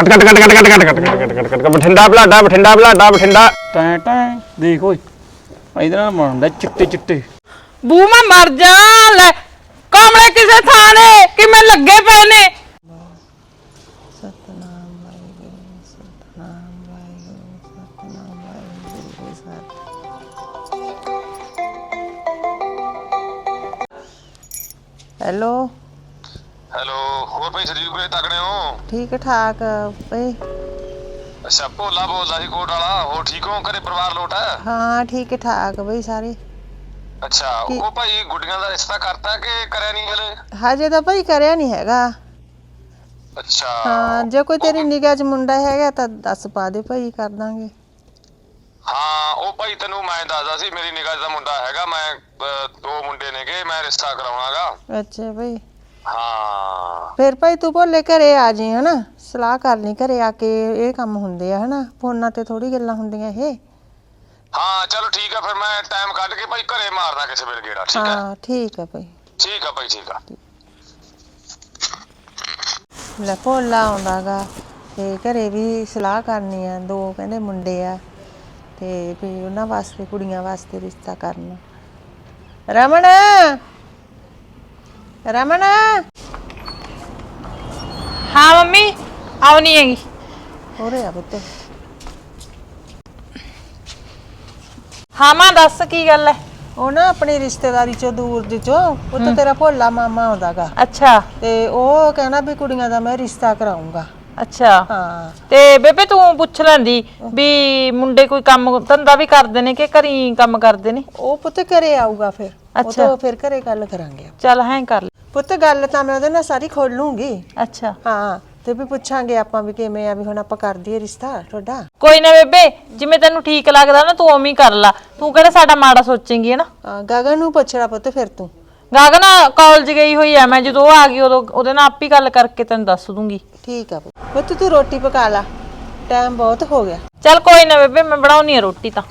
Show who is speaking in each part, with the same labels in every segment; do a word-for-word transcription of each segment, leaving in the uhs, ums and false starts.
Speaker 1: Cut cut cut cut cut cut cut cut cut cut Bathinda Balada Bathinda Balada Bathinda
Speaker 2: ਟੈਂ ਟੈਂ ਦੇਖ ਓਏ ਇਹਦੇ ਨਾਲ ਬਣਦਾ ਚਿੱਟੇ ਚਿੱਟੇ
Speaker 3: ਬੂ ਮੈਂ ਮਰ ਜਾ ਲੈ ਕਾਮਲੇ ਕਿਸੇ ਥਾਂ ਨੇ ਕਿਵੇਂ ਲੱਗੇ ਪਏ ਨੇ
Speaker 4: ਸਤਨਾਮ ਵਾਹਿਗੁਰੂ ਸਤਨਾਮ ਵਾਹਿਗੁਰੂ ਸਤਨਾਮ ਵਾਹਿਗੁਰੂ ਸਤਿ ਹੈਲੋ
Speaker 5: ਹੈਲੋ ਹੋਰ ਭਾਈ ਸਰੀਰ ਕੋਲੇ ਤਕੜੇ ਹੋ
Speaker 4: ਠੀਕ ਠਾਕ ਭਈ
Speaker 5: ਅੱਛਾ ਭੋਲਾ ਬੋਲਦਾ ਸੀ ਕੋਟ ਵਾਲਾ ਹੋਰ ਠੀਕ ਹੋ ਘਰੇ ਪਰਿਵਾਰ ਲੋਟ ਹੈ
Speaker 4: ਹਾਂ ਠੀਕ ਠਾਕ ਬਈ ਸਾਰੇ
Speaker 5: ਅੱਛਾ ਉਹ ਭਾਈ ਗੁੱਡੀਆਂ ਦਾ ਰਿਸ਼ਤਾ ਕਰਤਾ ਕਿ ਕਰਿਆ ਨਹੀਂ ਹਲੇ
Speaker 4: ਹਜੇ ਤਾਂ ਭਈ ਕਰਿਆ ਨਹੀਂ ਹੈਗਾ
Speaker 5: ਅੱਛਾ
Speaker 4: ਹਾਂ ਜੇ ਕੋਈ ਤੇਰੀ ਨਿਗਾਹ 'ਚ ਮੁੰਡਾ ਹੈਗਾ ਤਾਂ ਦੱਸ ਪਾ ਦੇ ਭਾਈ ਕਰ ਦਾਂਗੇ
Speaker 5: ਹਾਂ ਉਹ ਭਾਈ ਤੈਨੂੰ ਮੈਂ ਦੱਸਦਾ ਸੀ ਮੇਰੀ ਨਿਗਾਹ 'ਚ ਦਾ ਮੁੰਡਾ ਹੈਗਾ ਮੈਂ ਦੋ ਮੁੰਡੇ ਨੇਗੇ ਮੈਂ ਰਿਸ਼ਤਾ ਕਰਾਉਣਾਗਾ
Speaker 4: ਅੱਛਾ ਭਈ
Speaker 5: ਹਾਂ
Speaker 4: ਫਿਰ ਭਾਈ ਤੂੰ ਭੋਲੇ ਘਰੇ ਆ ਜੀ ਹਨਾ ਸਲਾਹ ਕਰ ਲਈ ਘਰੇ ਆ ਕੇ ਇਹ ਕੰਮ ਹੁੰਦੇ ਆ ਹਨਾ ਫੋਨਾਂ ਤੇ ਥੋੜੀ ਗੱਲਾਂ ਹੁੰਦੀਆਂ ਇਹ
Speaker 5: ਹਾਂ ਚਲੋ ਠੀਕ ਆ ਫਿਰ ਮੈਂ ਟਾਈਮ ਕੱਢ ਕੇ ਭਾਈ ਘਰੇ ਮਾਰਦਾ ਕਿਸੇ ਵੇਲੇ ਗੇੜਾ ਠੀਕ ਆ
Speaker 4: ਹਾਂ ਠੀਕ ਆ ਭਾਈ
Speaker 5: ਠੀਕ ਆ ਭਾਈ ਠੀਕ ਆ
Speaker 4: ਲੈ ਭੋਲਾ ਆਉਂਦਾਗਾ ਤੇ ਘਰੇ ਵੀ ਸਲਾਹ ਕਰਨੀ ਆ ਦੋ ਕਹਿੰਦੇ ਮੁੰਡੇ ਆ ਤੇ ਵੀ ਉਹਨਾਂ ਵਾਸਤੇ ਕੁੜੀਆਂ ਵਾਸਤੇ ਰਿਸ਼ਤਾ ਕਰਨਾ ਰਮਣ ਰਮਣ
Speaker 3: ਹਾਂ ਮੰਮੀ ਆਉਣੀ ਹੈਗੀ
Speaker 4: ਹੋਰੇ ਆ ਪੁੱਤ
Speaker 3: ਹਾਂ ਮਾਂ ਦੱਸ ਕੀ ਗੱਲ ਹੈ
Speaker 4: ਉਹ ਨਾ ਆਪਣੀ ਰਿਸ਼ਤੇਦਾਰੀ ਚੋਂ ਦੂਰ ਦੇ ਚੋਂ ਪੁੱਤ ਤੇਰਾ ਭੋਲਾ ਮਾਮਾ ਆਉਂਦਾਗਾ
Speaker 3: ਅੱਛਾ
Speaker 4: ਤੇ ਉਹ ਕਹਿੰਦਾ ਵੀ ਕੁੜੀਆਂ ਦਾ ਮੈਂ ਰਿਸ਼ਤਾ ਕਰਾਉਂਗਾ
Speaker 3: ਅੱਛਾ
Speaker 4: ਹਾਂ
Speaker 3: ਤੇ ਬੇਬੇ ਤੂੰ ਪੁੱਛ ਲੈਂਦੀ ਵੀ ਮੁੰਡੇ ਕੋਈ ਕੰਮ ਧੰਦਾ ਵੀ ਕਰਦੇ ਨੇ ਕਿ ਘਰੀ ਕੰਮ ਕਰਦੇ ਨੇ
Speaker 4: ਉਹ ਪੁੱਤ ਘਰੇ ਆਊਗਾ ਫਿਰ ਉਹ ਤੋਂ ਫਿਰ ਘਰੇ ਗੱਲ ਕਰਾਂਗੇ
Speaker 3: ਚੱਲ ਹੈਂ ਕਰ ਲੈ
Speaker 4: ਪੁੱਤ ਗੱਲ ਤਾਂ ਮੈਂ ਉਹਦੇ ਨਾਲ ਸਾਰੀ ਖੋਲ ਲੂੰਗੀ
Speaker 3: ਅੱਛਾ
Speaker 4: ਹਾਂ ਤੇ ਵੀ ਪੁੱਛਾਂਗੇ ਆਪਾਂ ਵੀ ਕਿਵੇਂ ਆ ਵੀ ਹੁਣ ਆਪਾਂ ਕਰ ਦਈਏ ਰਿਸ਼ਤਾ ਤੁਹਾਡਾ
Speaker 3: ਕੋਈ ਨਾ ਬੇਬੇ ਜਿਵੇਂ ਤੈਨੂੰ ਠੀਕ ਲੱਗਦਾ ਨਾ ਤੂੰ ਉਵੇਂ ਹੀ ਕਰ ਲਾ ਤੂੰ ਕਿਹੜਾ ਸਾਡਾ ਮਾੜਾ ਸੋਚੇਂਗੀ ਹਨਾ
Speaker 4: ਹਾਂ ਗਗਨ ਨੂੰ ਪੁੱਛਣਾ ਪੁੱਤ ਫਿਰ ਤੂੰ
Speaker 3: ਗਗਨ ਕਾਲਜ ਗਈ ਹੋਈ ਐ ਮੈਂ ਜਦੋਂ ਆ ਗਈ ਉਦੋਂ ਉਹਦੇ ਨਾਲ ਆਪ ਹੀ ਗੱਲ ਕਰਕੇ ਤੈਨੂੰ ਦੱਸ ਦੂੰਗੀ
Speaker 4: ਠੀਕ ਆ ਪੁੱਤ ਤੂੰ ਰੋਟੀ ਪਕਾ ਲਾ ਟਾਈਮ ਬਹੁਤ ਹੋ ਗਿਆ
Speaker 3: ਚੱਲ ਕੋਈ ਨਾ ਬੇਬੇ ਮੈਂ ਬਣਾਉਣੀ ਆ ਰੋਟੀ ਤਾਂ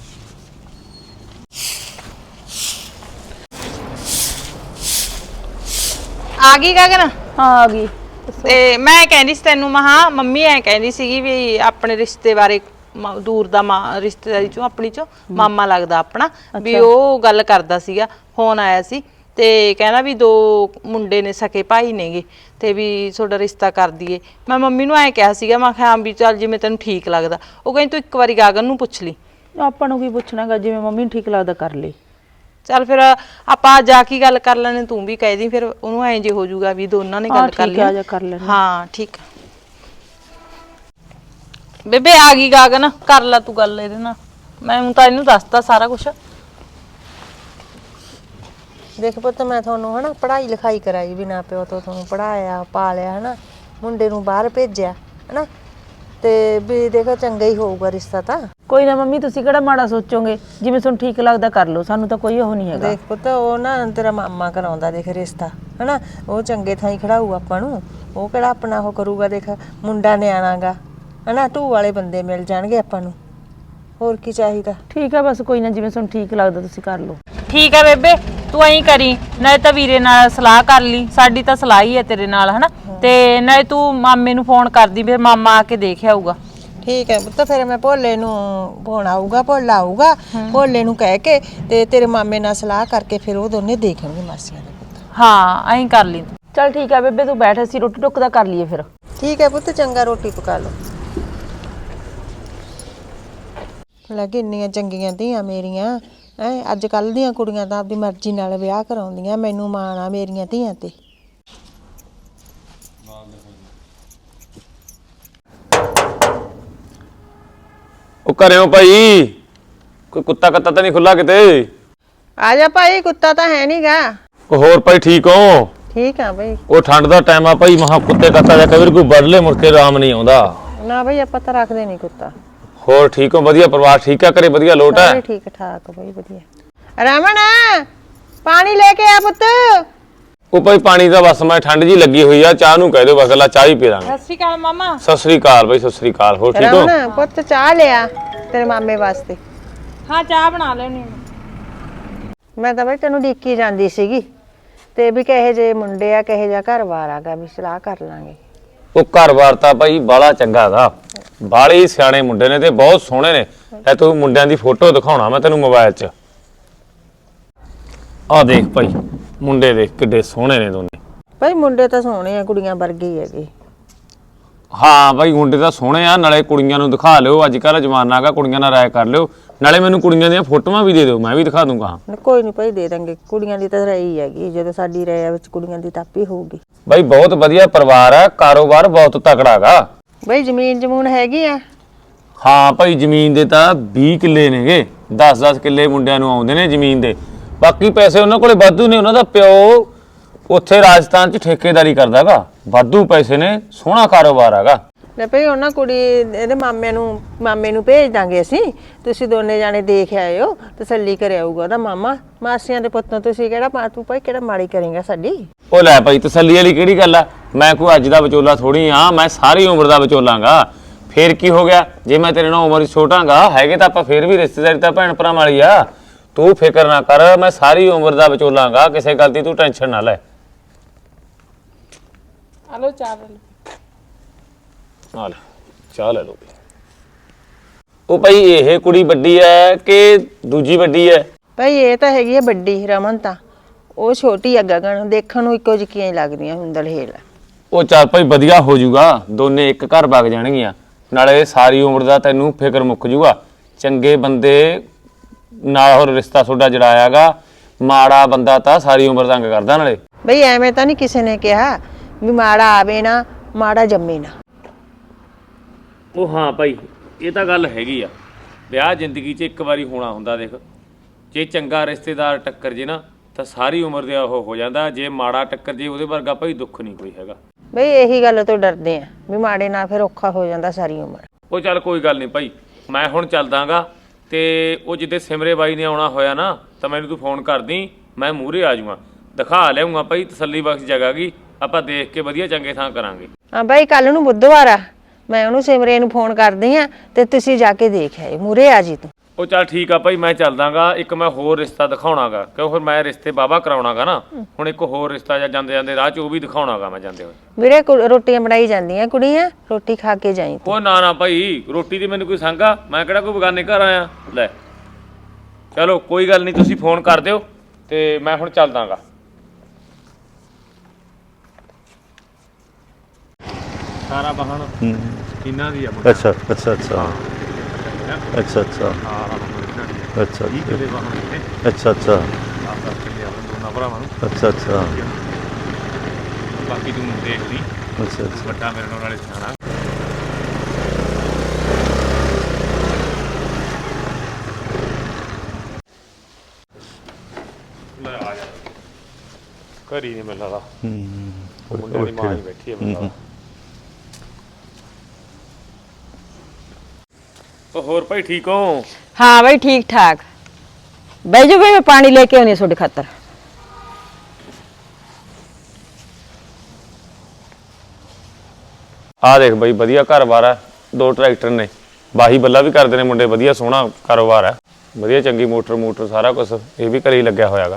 Speaker 3: ਆ ਗਈ ਗਗਨ
Speaker 6: ਹਾਂ ਆ ਗਈ
Speaker 3: ਤੇ ਮੈਂ ਕਹਿੰਦੀ ਸੀ ਤੈਨੂੰ ਮਹਾ ਮੰਮੀ ਐ ਕਹਿੰਦੀ ਸੀਗੀ ਵੀ ਆਪਣੇ ਰਿਸ਼ਤੇ ਬਾਰੇ ਦੂਰ ਦਾ ਰਿਸ਼ਤੇਦਾਰੀ ਚੋਂ ਆਪਣੀ ਚੋਂ ਮਾਮਾ ਲੱਗਦਾ ਆਪਣਾ ਵੀ ਉਹ ਗੱਲ ਕਰਦਾ ਸੀਗਾ ਫੋਨ ਆਇਆ ਸੀ ਤੇ ਕਹਿੰਦਾ ਵੀ ਦੋ ਮੁੰਡੇ ਨੇ ਸਕੇ ਭਾਈ ਨੇਗੇ ਤੇ ਵੀ ਤੁਹਾਡਾ ਰਿਸ਼ਤਾ ਕਰ ਦਈਏ ਮੈਂ ਮੰਮੀ ਨੂੰ ਐ ਕਿਹਾ ਸੀਗਾ ਮੈਂ ਕਿਹਾ ਵੀ ਚੱਲ ਜਿਵੇਂ ਤੈਨੂੰ ਠੀਕ ਲੱਗਦਾ ਉਹ ਕਹਿੰਦੀ ਤੂੰ ਇੱਕ ਵਾਰੀ ਗਗਨ ਨੂੰ ਪੁੱਛ ਲਈ
Speaker 6: ਆਪਾਂ ਨੂੰ ਕੀ ਪੁੱਛਣਾਗਾ ਜਿਵੇਂ ਮੰਮੀ ਨੂੰ ਠੀਕ ਲੱਗਦਾ ਕਰ ਲਈ
Speaker 3: ਚੱਲ ਫਿਰ ਆਪਾਂ ਜਾ ਕੇ ਗੱਲ ਕਰ ਲੈਣੇ ਤੂੰ ਵੀ ਕਹਿ ਦੀ ਫਿਰ ਉਹਨੂੰ ਐਂ ਜੇ ਹੋ ਜਾਊਗਾ ਵੀ ਦੋਨਾਂ ਨੇ ਗੱਲ ਕਰ ਲਈ
Speaker 6: ਕਰ ਲੈਣੇ
Speaker 3: ਹਾਂ ਠੀਕ ਬੇਬੇ ਆ ਗਈ ਗਗਨ ਕਰ ਲੈ ਤੂੰ ਗੱਲ ਇਹਦੇ ਨਾਲ ਮੈਂ ਹੁਣ ਤਾਂ ਇਹਨੂੰ ਦੱਸਤਾ ਸਾਰਾ ਕੁਝ
Speaker 4: ਦੇਖ ਪੁੱਤ ਮੈਂ ਤੁਹਾਨੂੰ ਹਨਾ ਪੜ੍ਹਾਈ ਲਿਖਾਈ ਕਰਾਈ ਬਿਨਾਂ ਪਿਓ ਤੋਂ ਤੁਹਾਨੂੰ ਪੜਾਇਆ ਪਾਲਿਆ ਹਨਾ ਮੁੰਡੇ ਨੂੰ ਬਾਹਰ ਭੇਜਿਆ ਹਨਾ ਤੇ ਵੀ ਦੇਖੋ ਚੰਗਾ ਹੀ ਹੋਊਗਾ ਰਿਸ਼ਤਾ ਤਾਂ
Speaker 6: ਕੋਈ ਨਾ ਮੰਮੀ ਤੁਸੀਂ ਕਿਹੜਾ ਮਾੜਾ ਸੋਚੋਗੇ ਜਿਵੇਂ ਤੁਹਾਨੂੰ ਠੀਕ ਲੱਗਦਾ ਕਰ ਲਓ ਸਾਨੂੰ ਤਾਂ ਕੋਈ ਉਹ ਨਹੀਂ ਹੈਗਾ
Speaker 4: ਦੇਖ ਪੁੱਤ ਉਹ ਨਾ ਤੇਰਾ ਮਾਮਾ ਕਰਾਉਂਦਾ ਦੇਖ ਰਿਸ਼ਤਾ ਹਨਾ ਉਹ ਚੰਗੇ ਥਾਂ ਹੀ ਖੜਾਊ ਆਪਾਂ ਨੂੰ ਉਹ ਕਿਹੜਾ ਆਪਣਾ ਉਹ ਕਰੂਗਾ ਦੇਖ ਮੁੰਡਾ ਨਿਆਣਾਗਾ ਹਨਾ ਢੂ ਵਾਲੇ ਬੰਦੇ ਮਿਲ ਜਾਣਗੇ ਆਪਾਂ ਨੂੰ ਹੋਰ ਕੀ ਚਾਹੀਦਾ
Speaker 6: ਠੀਕ ਆ ਬਸ ਕੋਈ ਨਾ ਜਿਵੇਂ ਤੁਹਾਨੂੰ ਠੀਕ ਲੱਗਦਾ ਤੁਸੀਂ ਕਰ ਲਓ
Speaker 3: ਠੀਕ ਆ ਬੇਬੇ ਤੂੰ ਐਂ ਕਰੀ ਨਾਲੇ ਤਾਂ ਵੀਰੇ ਨਾਲ ਸਲਾਹ ਕਰ ਲਈ ਸਾਡੀ ਤਾਂ ਸਲਾਹ ਹੀ ਹੈ ਤੇਰੇ ਨਾਲ ਹਨਾ ਤੇ ਨਾਲੇ ਤੂੰ ਮਾਮੇ ਨੂੰ ਫੋਨ ਕਰਦੀ ਫਿਰ ਮਾਮਾ ਆ ਕੇ ਦੇਖ ਆਊਗਾ
Speaker 4: ਠੀਕ ਹੈ ਪੁੱਤ ਫਿਰ ਮੈਂ ਭੋਲੇ ਨੂੰ ਫੋਨ ਆਊਗਾ ਭੋਲਾ ਆਊਗਾ ਭੋਲੇ ਨੂੰ ਕਹਿ ਕੇ ਤੇ ਤੇਰੇ ਮਾਮੇ ਨਾਲ ਸਲਾਹ ਕਰਕੇ ਫਿਰ ਉਹ ਦੋਨੇ ਦੇਖਣਗੇ ਮਾਸੀਆਂ ਦੇ ਪੁੱਤ
Speaker 3: ਹਾਂ ਐਂ ਕਰ ਲਈ ਤੂੰ
Speaker 6: ਚੱਲ ਠੀਕ ਆ ਬੇਬੇ ਤੂੰ ਬੈਠ ਅਸੀਂ ਰੋਟੀ ਟੁੱਕ ਦਾ ਕਰ ਲਈਏ ਫਿਰ
Speaker 4: ਠੀਕ ਹੈ ਪੁੱਤ ਚੰਗਾ ਰੋਟੀ ਪਕਾ ਲਓ ਲੱਗੇ ਇੰਨੀਆਂ ਚੰਗੀਆਂ ਧੀਆਂ ਮੇਰੀਆਂ ਐ ਅੱਜ ਕੱਲ ਦੀਆਂ ਕੁੜੀਆਂ ਤਾਂ ਆਪਦੀ ਮਰਜ਼ੀ ਨਾਲ ਵਿਆਹ ਕਰਾਉਂਦੀਆਂ ਮੈਨੂੰ ਮਾਣ ਆ ਮੇਰੀਆਂ ਧੀਆਂ ਤੇ
Speaker 1: ਉਹ ਘਰਿਓ ਭਾਈ ਕੋਈ ਕੁੱਤਾ ਕੱਤਾ ਤਾਂ ਨਹੀਂ ਖੁੱਲਾ ਕਿਤੇ
Speaker 4: ਆ ਜਾ ਭਾਈ ਕੁੱਤਾ ਤਾਂ ਹੈ ਨਹੀਂਗਾ
Speaker 1: ਉਹ ਹੋਰ ਭਾਈ ਠੀਕ ਹੋ
Speaker 4: ਠੀਕ ਆ ਭਾਈ
Speaker 1: ਉਹ ਠੰਡ ਦਾ ਟਾਈਮ ਆ ਭਾਈ ਮਹਾ ਕੁੱਤੇ ਕੱਤਾ ਜਾ ਕਬਰ ਕੋਈ ਵੱਢ ਲੈ ਮੁੜ ਕੇ ਆਰਾਮ ਨਹੀਂ ਆਉਂਦਾ
Speaker 4: ਨਾ ਭਾਈ ਆਪਾਂ ਤਾਂ ਰੱਖਦੇ ਨਹੀਂ ਕੁੱਤਾ
Speaker 1: ਹੋਰ ਠੀਕ ਹੋ ਵਧੀਆ ਪਰਿਵਾਰ ਠੀਕ ਆ ਘਰੇ ਵਧੀਆ ਲੋਟ ਹੈ
Speaker 4: ਠੀਕ ਠਾਕ ਭਾਈ ਵਧੀਆ ਰਮਣ ਪਾਣੀ ਲੈ ਕੇ ਆ ਪੁੱਤ
Speaker 1: ਉਹ ਭਾਈ ਪਾਣੀ ਦਾ ਬਸ ਮੈਂ ਠੰਡ ਜੀ ਲੱਗੀ ਹੋਈ ਆ ਚਾਹ ਨੂੰ ਕਹਿ ਦਿਓ ਬਸ ਲਾ ਚਾਹ ਹੀ ਪੀ ਲਾਂਗੇ
Speaker 3: ਸਤਿ ਸ਼੍ਰੀ ਅਕਾਲ ਮਾਮਾ
Speaker 1: ਸਤਿ ਸ੍ਰੀ ਅਕਾਲ ਭਾਈ ਸਤਿ ਸ੍ਰੀ ਅਕਾਲ ਹੋਰ ਠੀਕ ਹੋ
Speaker 4: ਰਮਣ ਪੁੱਤ ਚਾਹ ਲਿਆ ਤੇਰੇ ਮਾਮੇ ਵਾਸਤੇ
Speaker 3: ਹਾਂ ਚਾਹ ਬਣਾ ਲੈਣੀ
Speaker 4: ਮੈਂ ਤਾਂ ਭਾਈ ਤੈਨੂੰ ਡੀਕੀ ਜਾਂਦੀ ਸੀਗੀ ਤੇ ਵੀ ਕਹੇ ਜੇ ਮੁੰਡੇ ਆ ਕਹੇ ਜਾ ਘਰ-ਬਾਰ ਆਗਾ ਵੀ ਸਲਾਹ ਕਰ ਲਾਂਗੇ
Speaker 1: ਉਹ ਘਰ-ਬਾਰ ਤਾਂ ਭਾਈ ਬਾਲਾ ਚੰਗਾ ਗਾ, ਬਾਲੇ ਹੀ ਸਿਆਣੇ ਮੁੰਡੇ ਨੇ ਤੇ ਬਹੁਤ ਸੋਹਣੇ ਨੇ। ਐ ਤੂੰ ਮੁੰਡਿਆਂ ਦੀ ਫੋਟੋ ਦਿਖਾਉਣਾ ਮੈਂ ਤੈਨੂੰ ਮੋਬਾਈਲ 'ਚ। ਆ ਦੇਖ ਭਾਈ ਮੁੰਡੇ ਦੇਖ ਕਿੱਡੇ ਸੋਹਣੇ ਨੇ ਦੋਨੇ।
Speaker 4: ਭਾਈ ਮੁੰਡੇ ਤਾਂ ਸੋਹਣੇ ਆ, ਕੁੜੀਆਂ ਵਰਗੇ ਹੀ ਹੈਗੇ।
Speaker 1: ਹਾਂ ਭਾਈ ਮੁੰਡੇ ਤਾਂ ਸੋਹਣੇ ਆ, ਨਾਲੇ ਕੁੜੀਆਂ ਨੂੰ ਦਿਖਾ ਲਿਓ, ਅੱਜ ਕੱਲ੍ਹ ਜਮਾਨਾ ਹੈਗਾ, ਕੁੜੀਆਂ ਨਾਲ ਰਾਏ ਕਰ ਲਿਓ, ਨਾਲੇ ਮੈਨੂੰ ਕੁੜੀਆਂ ਦੀਆਂ ਫੋਟੋਆਂ ਵੀ ਦੇ ਦਿਓ, ਮੈਂ ਵੀ ਦਿਖਾ ਦੂੰਗਾ।
Speaker 4: ਨਾ ਕੋਈ ਨਹੀਂ ਭਾਈ, ਦੇ ਦਾਂਗੇ। ਕੁੜੀਆਂ ਦੀ ਤਾਂ ਰਹੀ ਹੈਗੀ, ਜਦੋਂ ਸਾਡੀ ਰਾਇ ਵਿੱਚ ਕੁੜੀਆਂ ਦੀ ਤਾਪੀ ਹੋਊਗੀ।
Speaker 1: ਭਾਈ ਬਹੁਤ ਵਧੀਆ ਪਰਿਵਾਰ ਆ, ਕਾਰੋਬਾਰ ਬਹੁਤ ਤਕੜਾ ਗਾ।
Speaker 4: ਭਾਈ ਜ਼ਮੀਨ ਜਮੂਨ ਹੈਗੀ ਆ?
Speaker 1: ਹਾਂ ਭਾਈ ਜ਼ਮੀਨ ਦੇ ਤਾਂ ਵੀਹ ਕਿੱਲੇ ਨੇਗੇ, ਦਸ ਦਸ ਕਿੱਲੇ ਮੁੰਡਿਆਂ ਨੂੰ ਆਉਂਦੇ ਨੇ ਜ਼ਮੀਨ ਦੇ। ਬਾਕੀ ਪੈਸੇ ਉਹਨਾਂ ਕੋਲੇ ਵਾਧੂ ਨੇ, ਉਹਨਾਂ ਦਾ ਪਿਓ ਉੱਥੇ ਰਾਜਸਥਾਨ 'ਚ ਠੇਕੇਦਾਰੀ ਕਰਦਾਗਾ, ਵਾਧੂ ਪੈਸੇ ਨੇ, ਸੋਹਣਾ ਕਾਰੋਬਾਰ ਹੈਗਾ।
Speaker 4: ਲੈ ਭਾਈ ਉਹਨਾਂ ਕੁੜੀ ਇਹਦੇ ਮਾਮੇ ਨੂੰ ਮਾਮੇ ਨੂੰ ਭੇਜ ਦਾਂਗੇ ਅਸੀਂ, ਤੁਸੀਂ ਦੋਨੇ ਜਾਣੇ ਦੇਖ ਆਇਓ, ਤਸੱਲੀ ਕਰ ਆਊਗਾ ਉਹਦਾ ਮਾਮਾ। ਮਾਸੀਆਂ ਦੇ ਪੁੱਤੋਂ ਤੁਸੀਂ ਕਿਹੜਾ ਪਾ ਤੂੰ ਭਾਈ ਕਿਹੜਾ ਮਾੜੀ ਕਰੇਗਾ ਸਾਡੀ।
Speaker 1: ਉਹ ਲੈ ਭਾਈ ਤਸੱਲੀ ਵਾਲੀ ਕਿਹੜੀ ਗੱਲ ਆ, ਮੈਂ ਕੋਈ ਅੱਜ ਦਾ ਵਿਚੋਲਾ ਥੋੜੀ ਆ, ਮੈਂ ਸਾਰੀ ਉਮਰ ਦਾ ਵਿਚੋਲਾਂਗਾ। ਫੇਰ ਕੀ ਹੋ ਗਿਆ ਜੇ ਮੈਂ ਤੇਰੇ ਨਾਲ ਉਮਰ ਛੋਟਾਂਗਾ, ਹੈਗੇ ਤਾਂ ਆਪਾਂ ਫੇਰ ਵੀ ਰਿਸ਼ਤੇਦਾਰੀ ਤਾਂ ਭੈਣ ਭਰਾ ਵਾਲੀ ਆ। ਤੂੰ ਫਿਕਰ ਨਾ ਕਰ, ਮੈਂ ਸਾਰੀ ਉਮਰ ਦਾ ਵਿਚੋਲਾਂਗਾ, ਕਿਸੇ ਗੱਲ ਦੀ ਤੂੰ ਟੈਨਸ਼ਨ ਨਾ ਲੈ।
Speaker 3: ਹਲੋ ਚਾਹ
Speaker 1: ਆ ਲੈ ਚਾਹ ਲੈ ਲਓ। ਉਹ ਭਾਈ ਇਹ ਕੁੜੀ ਵੱਡੀ ਐ ਕਿ ਦੂਜੀ ਵੱਡੀ ਐ?
Speaker 4: ਭਾਈ ਇਹ ਤਾਂ ਹੈਗੀ ਆ ਵੱਡੀ, ਰਮਨ ਤਾਂ ਉਹ ਛੋਟੀ ਆ ਗਗਨ, ਦੇਖਣ ਨੂੰ ਇੱਕੋ ਜਿਹੀਆਂ ਹੀ ਲੱਗਦੀਆਂ ਹੁੰਦਲ ਹੇਲ।
Speaker 1: ਉਹ ਚੱਲ ਭਾਈ ਵਧੀਆ ਹੋ ਜਾਊਗਾ, ਦੋਨੇ ਇੱਕ ਘਰ ਵਗ ਜਾਣਗੀਆਂ, ਨਾਲੇ ਸਾਰੀ ਉਮਰ ਦਾ ਤੈਨੂੰ ਫਿਕਰ ਮੁੱਕ ਜਾਊਗਾ। ਚੰਗੇ ਬੰਦੇ ਨਾਲ ਹੋਰ ਰਿਸ਼ਤਾ ਤੁਹਾਡਾ ਜੜਾਇਆਗਾ, ਮਾੜਾ ਬੰਦਾ ਤਾਂ ਸਾਰੀ ਉਮਰ ਤੰਗ ਕਰਦਾ। ਨਾਲੇ
Speaker 4: ਬਈ ਐਵੇਂ ਤਾਂ ਨਹੀਂ ਕਿਸੇ ਨੇ ਕਿਹਾ ਵੀ ਮਾੜਾ ਆਵੇ ਨਾ ਮਾੜਾ ਜੰਮੇ ਨਾ।
Speaker 1: ਉਹ ਹਾਂ ਭਾਈ ਇਹ ਤਾਂ ਗੱਲ ਹੈਗੀ ਆ, ਵਿਆਹ ਜ਼ਿੰਦਗੀ 'ਚ ਇੱਕ ਵਾਰੀ ਹੋਣਾ ਹੁੰਦਾ। ਦੇਖ ਜੇ ਚੰਗਾ ਰਿਸ਼ਤੇਦਾਰ ਟੱਕਰ ਜੇ ਨਾ ਤਾਂ ਸਾਰੀ ਉਮਰ ਦੇ ਉਹ ਹੋ ਜਾਂਦਾ, ਜੇ ਮਾੜਾ ਟੱਕਰ ਜੇ ਉਹਦੇ ਵਰਗਾ ਭਾਈ ਦੁੱਖ ਨਹੀਂ ਕੋਈ ਹੈਗਾ।
Speaker 4: ਬਈ ਇਹੀ ਗੱਲ ਤੋਂ ਡਰਦੇ ਆ ਵੀ ਮਾੜੇ ਨਾਲ ਫਿਰ ਔਖਾ ਹੋ ਜਾਂਦਾ ਸਾਰੀ ਉਮਰ।
Speaker 1: ਉਹ ਚੱਲ ਕੋਈ ਗੱਲ ਨਹੀਂ ਭਾਈ, ਮੈਂ ਹੁਣ ਚੱਲਦਾਗਾ, ਤੇ ਉਹ ਜਿੱਦੇ ਸਿਮਰੇ ਬਾਈ ਨੇ ਆਉਣਾ ਹੋਇਆ ਨਾ ਤਾਂ ਮੈਨੂੰ ਤੂੰ ਫੋਨ ਕਰਦੀ, ਮੈਂ ਮੂਹਰੇ ਆ ਜਾਊਂਗਾ, ਦਿਖਾ ਲਿਆਉਂਗਾ ਭਾਈ ਤਸੱਲੀ ਬਖਸ਼ ਜਗ੍ਹਾ ਗੀ, ਆਪਾਂ ਦੇਖ ਕੇ ਵਧੀਆ ਚੰਗੇ ਥਾਂ ਕਰਾਂਗੇ।
Speaker 4: ਹਾਂ ਬਾਈ ਕੱਲ ਨੂੰ ਬੁੱਧਵਾਰ ਆ, ਮੈਂ ਉਹਨੂੰ ਸਿਮਰੇ ਨੂੰ ਫੋਨ ਕਰਦੀ ਆ ਤੇ ਤੁਸੀਂ ਜਾ ਕੇ ਦੇਖ ਆਏ, ਮੂਹਰੇ ਆ ਜੀ ਤੂੰ।
Speaker 1: ਉਹ ਚੱਲ ਠੀਕ ਆ ਭਾਈ, ਮੈਂ ਚੱਲਦਾਗਾ। ਇੱਕ ਮੈਂ ਹੋਰ ਰਿਸ਼ਤਾ ਦਿਖਾਉਣਾਗਾ, ਕਿਉਂ ਫਿਰ ਮੈਂ ਰਿਸ਼ਤੇ ਬਾਬਾ ਕਰਾਉਣਾਗਾ ਨਾ, ਹੁਣ ਇੱਕ ਹੋਰ ਰਿਸ਼ਤਾ ਜਾਂ ਜਾਂਦੇ ਜਾਂਦੇ ਰਾਹ 'ਚ ਉਹ ਵੀ ਦਿਖਾਉਣਾਗਾ ਮੈਂ ਜਾਂਦੇ ਹੋਏ।
Speaker 4: ਵੀਰੇ ਰੋਟੀਆਂ ਬਣਾਈ ਜਾਂਦੀਆਂ ਕੁੜੀਆਂ, ਰੋਟੀ ਖਾ ਕੇ ਜਾਈ।
Speaker 1: ਉਹ ਨਾ ਨਾ ਭਾਈ, ਰੋਟੀ ਦੀ ਮੈਨੂੰ ਕੋਈ ਸੰਗਾ, ਮੈਂ ਕਿਹੜਾ ਕੋਈ ਬਗਾਨੇ ਘਰ ਆਇਆ। ਲੈ ਚਲੋ ਕੋਈ ਗੱਲ ਨਹੀਂ, ਤੁਸੀਂ ਫੋਨ ਕਰ ਦਿਓ ਤੇ ਮੈਂ ਹੁਣ ਚੱਲਦਾਗਾ। ਸਾਰਾ ਵਾਹਣ ਇਹਨਾਂ ਦੀ ਆ।
Speaker 7: ਅੱਛਾ ਅੱਛਾ ਅੱਛਾ ਅੱਛਾ ਅੱਛਾ ਅੱਛਾ
Speaker 1: ਵੀਹ ਕਿੱਲੇ ਵਾਹਣ ਨੇ,
Speaker 7: ਅੱਛਾ ਅੱਛਾ
Speaker 1: ਦਸ ਦਸ ਕਿੱਲੇ ਆਉਣ ਦੋਨਾਂ ਭਰਾਵਾਂ ਨੂੰ।
Speaker 7: ਅੱਛਾ ਅੱਛਾ
Speaker 1: ਬਾਕੀ ਤੂੰ ਦੇਖ ਲਈ,
Speaker 7: ਅੱਛਾ ਅੱਛਾ
Speaker 1: ਵੱਡਾ ਮੇਰੇ ਨਾਲ ਨਾਲੇ ਸਿਆਣਾ। ਲੈ ਆ ਜਾ, ਘਰ ਹੀ ਨਹੀਂ ਮਿਲਦਾ ਦਾ ਮੁੰਡੇ ਦੀ ਮਾਂ ਹੀ ਬੈਠੀ ਹੈ ਮਿਲਦਾ। ਉਹ ਹੋਰ ਭਾਈ ਠੀਕ ਹੋ?
Speaker 6: ਹਾਂ ਬਈ ਠੀਕ ਠਾਕ। ਬਹਿ ਜਾਓ ਬਈ, ਮੈਂ ਪਾਣੀ ਲੈ ਕੇ ਆਉਣੀ ਤੁਹਾਡੇ ਖਾਤਰ।
Speaker 1: ਆ ਦੇਖ ਬਈ ਵਧੀਆ ਘਰ-ਬਾਰ ਹੈ, ਦੋ ਟਰੈਕਟਰ ਨੇ, ਬਾਹੀ ਬੱਲਾ ਵੀ ਕਰਦੇ ਨੇ ਮੁੰਡੇ, ਵਧੀਆ ਸੋਹਣਾ ਕਾਰੋਬਾਰ ਹੈ, ਵਧੀਆ ਚੰਗੀ ਮੋਟਰ ਮੋਟਰ ਸਾਰਾ ਕੁਝ ਇਹ ਵੀ ਘਰੇ ਹੀ ਲੱਗਿਆ ਹੋਇਆਗਾ।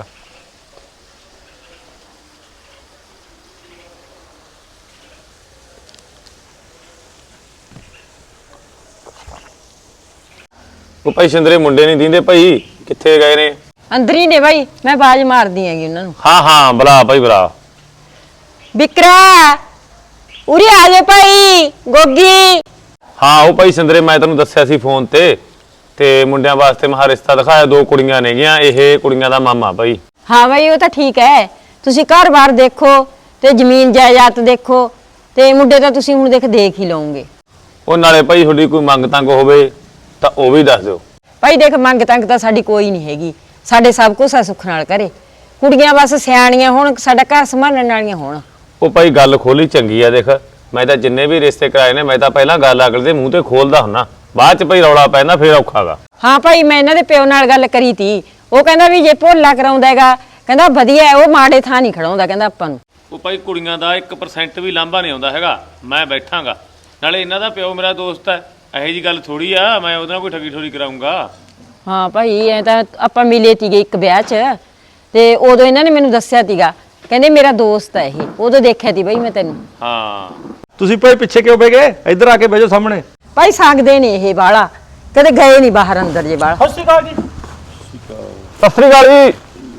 Speaker 1: ਉਹ ਭਾਈ ਸਿੰਦਰੇ ਮੁੰਡੇ ਨਹੀਂ ਦਿੰਦੇ ਭਾਈ, ਕਿੱਥੇ ਗਏ ਨੇ?
Speaker 6: ਅੰਦਰ ਹੀ ਨੇ ਬਾਈ, ਮੈਂ ਬਾਜ ਮਾਰਦੀ ਹੈਗੀ ਉਹਨਾਂ ਨੂੰ।
Speaker 1: ਹਾਂ ਹਾਂ ਬੁਲਾ ਭਾਈ ਬੁਲਾ।
Speaker 6: ਵਿਕਰਾ ਉਰੇ ਆ ਜਾ ਭਾਈ, ਗੋਗੀ।
Speaker 1: ਹਾਂ ਉਹ ਭਾਈ ਸਿੰਦਰੇ ਮੈਂ ਤੈਨੂੰ ਦੱਸਿਆ ਸੀ ਫੋਨ ਤੇ ਤੇ ਮੁੰਡਿਆਂ ਵਾਸਤੇ ਮਹਾ ਰਿਸ਼ਤਾ ਦਿਖਾਇਆ, ਦੋ ਕੁੜੀਆਂ ਨੇਗੀਆਂ, ਇਹ ਕੁੜੀਆਂ ਦਾ ਮਾਮਾ ਭਾਈ।
Speaker 6: ਹਾਂ ਬਾਈ ਉਹ ਤਾਂ ਠੀਕ ਹੈ, ਤੁਸੀਂ ਘਰ-ਬਾਰ ਦੇਖੋ ਤੇ ਜ਼ਮੀਨ ਜਾਇਦਾਦ ਦੇਖੋ, ਤੇ ਮੁੰਡੇ ਤਾਂ ਤੁਸੀਂ ਹੁਣ ਦੇਖ ਦੇਖ ਹੀ ਲਓਗੇ।
Speaker 1: ਉਹ ਨਾਲੇ ਭਾਈ ਤੁਹਾਡੀ ਕੋਈ ਮੰਗ ਤੰਗ ਹੋਵੇ ਤਾਂ ਉਹ ਵੀ ਦੱਸ ਦਿਓ
Speaker 6: ਭਾਈ। ਦੇਖ ਮੰਗ ਤੰਗ ਤਾਂ ਸਾਡੀ ਕੋਈ ਨਹੀਂ ਹੈਗੀ, ਸਾਡੇ ਸਭ ਕੁਝ ਆ ਸੁੱਖ ਨਾਲ ਕਰੇ, ਕੁੜੀਆਂ ਬਸ ਸਿਆਣੀਆਂ ਹੋਣ, ਸਾਡਾ ਘਰ ਸੰਭਾਲਣ ਵਾਲੀਆਂ ਹੋਣ।
Speaker 1: ਉਹ ਭਾਈ ਗੱਲ ਖੋਲੀ ਚੰਗੀ ਆ, ਦੇਖ ਮੈਂ ਤਾਂ ਜਿੰਨੇ ਵੀ ਰਿਸ਼ਤੇ ਕਰਾਏ ਨੇ ਮੈਂ ਤਾਂ ਪਹਿਲਾਂ ਗੱਲ ਅਗਲੇ ਦੇ ਮੂੰਹ ਤੇ ਖੋਲਦਾ ਹੁੰਨਾ, ਬਾਅਦ ਚ ਭਾਈ ਰੌਲਾ ਪੈਂਦਾ ਫੇਰ ਔਖਾਗਾ।
Speaker 6: ਹਾਂ ਭਾਈ ਮੈਂ ਇਹਨਾਂ ਦੇ ਪਿਓ ਨਾਲ ਗੱਲ ਕਰੀ ਤੀ, ਉਹ ਕਹਿੰਦਾ ਵੀ ਜੇ ਭੋਲਾ ਕਰਾਉਂਦਾ ਹੈਗਾ, ਕਹਿੰਦਾ ਵਧੀਆ, ਉਹ ਮਾੜੇ ਥਾਂ ਨਹੀਂ ਖੜਾਉਂਦਾ ਕਹਿੰਦਾ ਆਪਾਂ ਨੂੰ।
Speaker 1: ਉਹ ਭਾਈ ਕੁੜੀਆਂ ਦਾ ਇੱਕ ਪਰਸੈਂਟ ਵੀ ਲਾਂਭਾ ਨਹੀਂ ਆਉਂਦਾ ਹੈਗਾ, ਮੈਂ ਬੈਠਾਂਗਾ, ਨਾਲੇ ਇਹਨਾਂ ਦਾ ਪਿਓ ਮੇਰਾ ਦੋਸਤ ਹੈ, ਇਹੋ ਜੀ ਗੱਲ ਥੋੜੀ ਆ ਮੈਂ ਉਹਦੇ ਨਾਲ ਕੋਈ ਠੱਗੀ ਠੋਰੀ ਕਰਾਉਂਗਾ।
Speaker 6: ਹਾਂ ਭਾਈ ਐ ਤਾਂ ਆਪਾਂ ਮਿਲੇ ਤੀਗੇ ਇੱਕ ਵਿਆਹ 'ਚ, ਤੇ ਉਦੋਂ ਇਹਨਾਂ ਨੇ ਮੈਨੂੰ ਦੱਸਿਆ ਤੀਗਾ, ਕਹਿੰਦੇ ਮੇਰਾ ਦੋਸਤ ਹੈ ਇਹ, ਉਦੋਂ ਦੇਖਿਆ ਤੀ ਭਾਈ ਮੈਂ ਤੈਨੂੰ।
Speaker 1: ਹਾਂ
Speaker 2: ਤੁਸੀਂ ਭਾਈ ਪਿੱਛੇ ਕਿਉਂ ਬਹਿ ਗਏ? ਇੱਧਰ ਆ ਕੇ ਬਹਿ ਜਾਓ ਸਾਹਮਣੇ।
Speaker 6: ਭਾਈ ਸੰਗਦੇ ਨੇ ਇਹ ਬਾਲਾ, ਕਦੇ ਗਏ ਨਹੀਂ ਬਾਹਰ ਅੰਦਰ ਜੇ ਬਾਲਾ।
Speaker 2: ਸਤਿ ਸ਼੍ਰੀ ਅਕਾਲ ਜੀ।
Speaker 1: ਸਤਿ ਸ੍ਰੀ ਅਕਾਲ ਜੀ।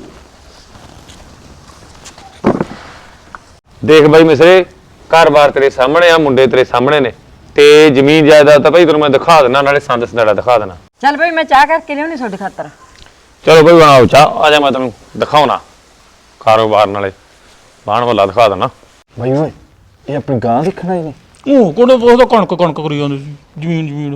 Speaker 1: ਦੇਖ ਬਾਈ ਮਿਸਰੇ, ਘਰ-ਬਾਰ ਤੇਰੇ ਸਾਹਮਣੇ ਆ, ਮੁੰਡੇ ਤੇਰੇ ਸਾਹਮਣੇ ਨੇ, ਤੇ ਜ਼ਮੀਨ ਜਾਇਦਾਦ ਤਾਂ ਭਾਈ ਤੈਨੂੰ ਮੈਂ ਦਿਖਾ ਦੇਣਾ, ਨਾਲੇ ਸੰਦ ਸੰਦੜਾ ਦਿਖਾ ਦੇਣਾ।
Speaker 6: ਚੱਲ ਭਾਈ ਮੈਂ ਚਾਹ ਕਰਕੇ ਲਿਆਉਣੀ ਤੁਹਾਡੇ ਖਾਤਰ।
Speaker 1: ਚਲੋ ਭਾਈ ਬਣਾਓ ਚਾਹ, ਆ ਜਾ ਮੈਂ ਤੈਨੂੰ ਦਿਖਾਉਣਾ ਕਾਰੋਬਾਰ, ਨਾਲੇ ਬਾਣ ਵਾਲਾ ਦਿਖਾ ਦੇਣਾ।
Speaker 8: ਭਾਈ ਓਏ ਇਹ ਆਪਣੀ ਗਾਂ ਦੇਖਣਾ ਇਹਨੇ।
Speaker 2: ਉਹ ਕੋਣ ਉਹ ਕਣਕ ਕਣਕ ਕਰੀ ਜਾਂਦੇ ਸੀ, ਜ਼ਮੀਨ ਜ਼ਮੀਨ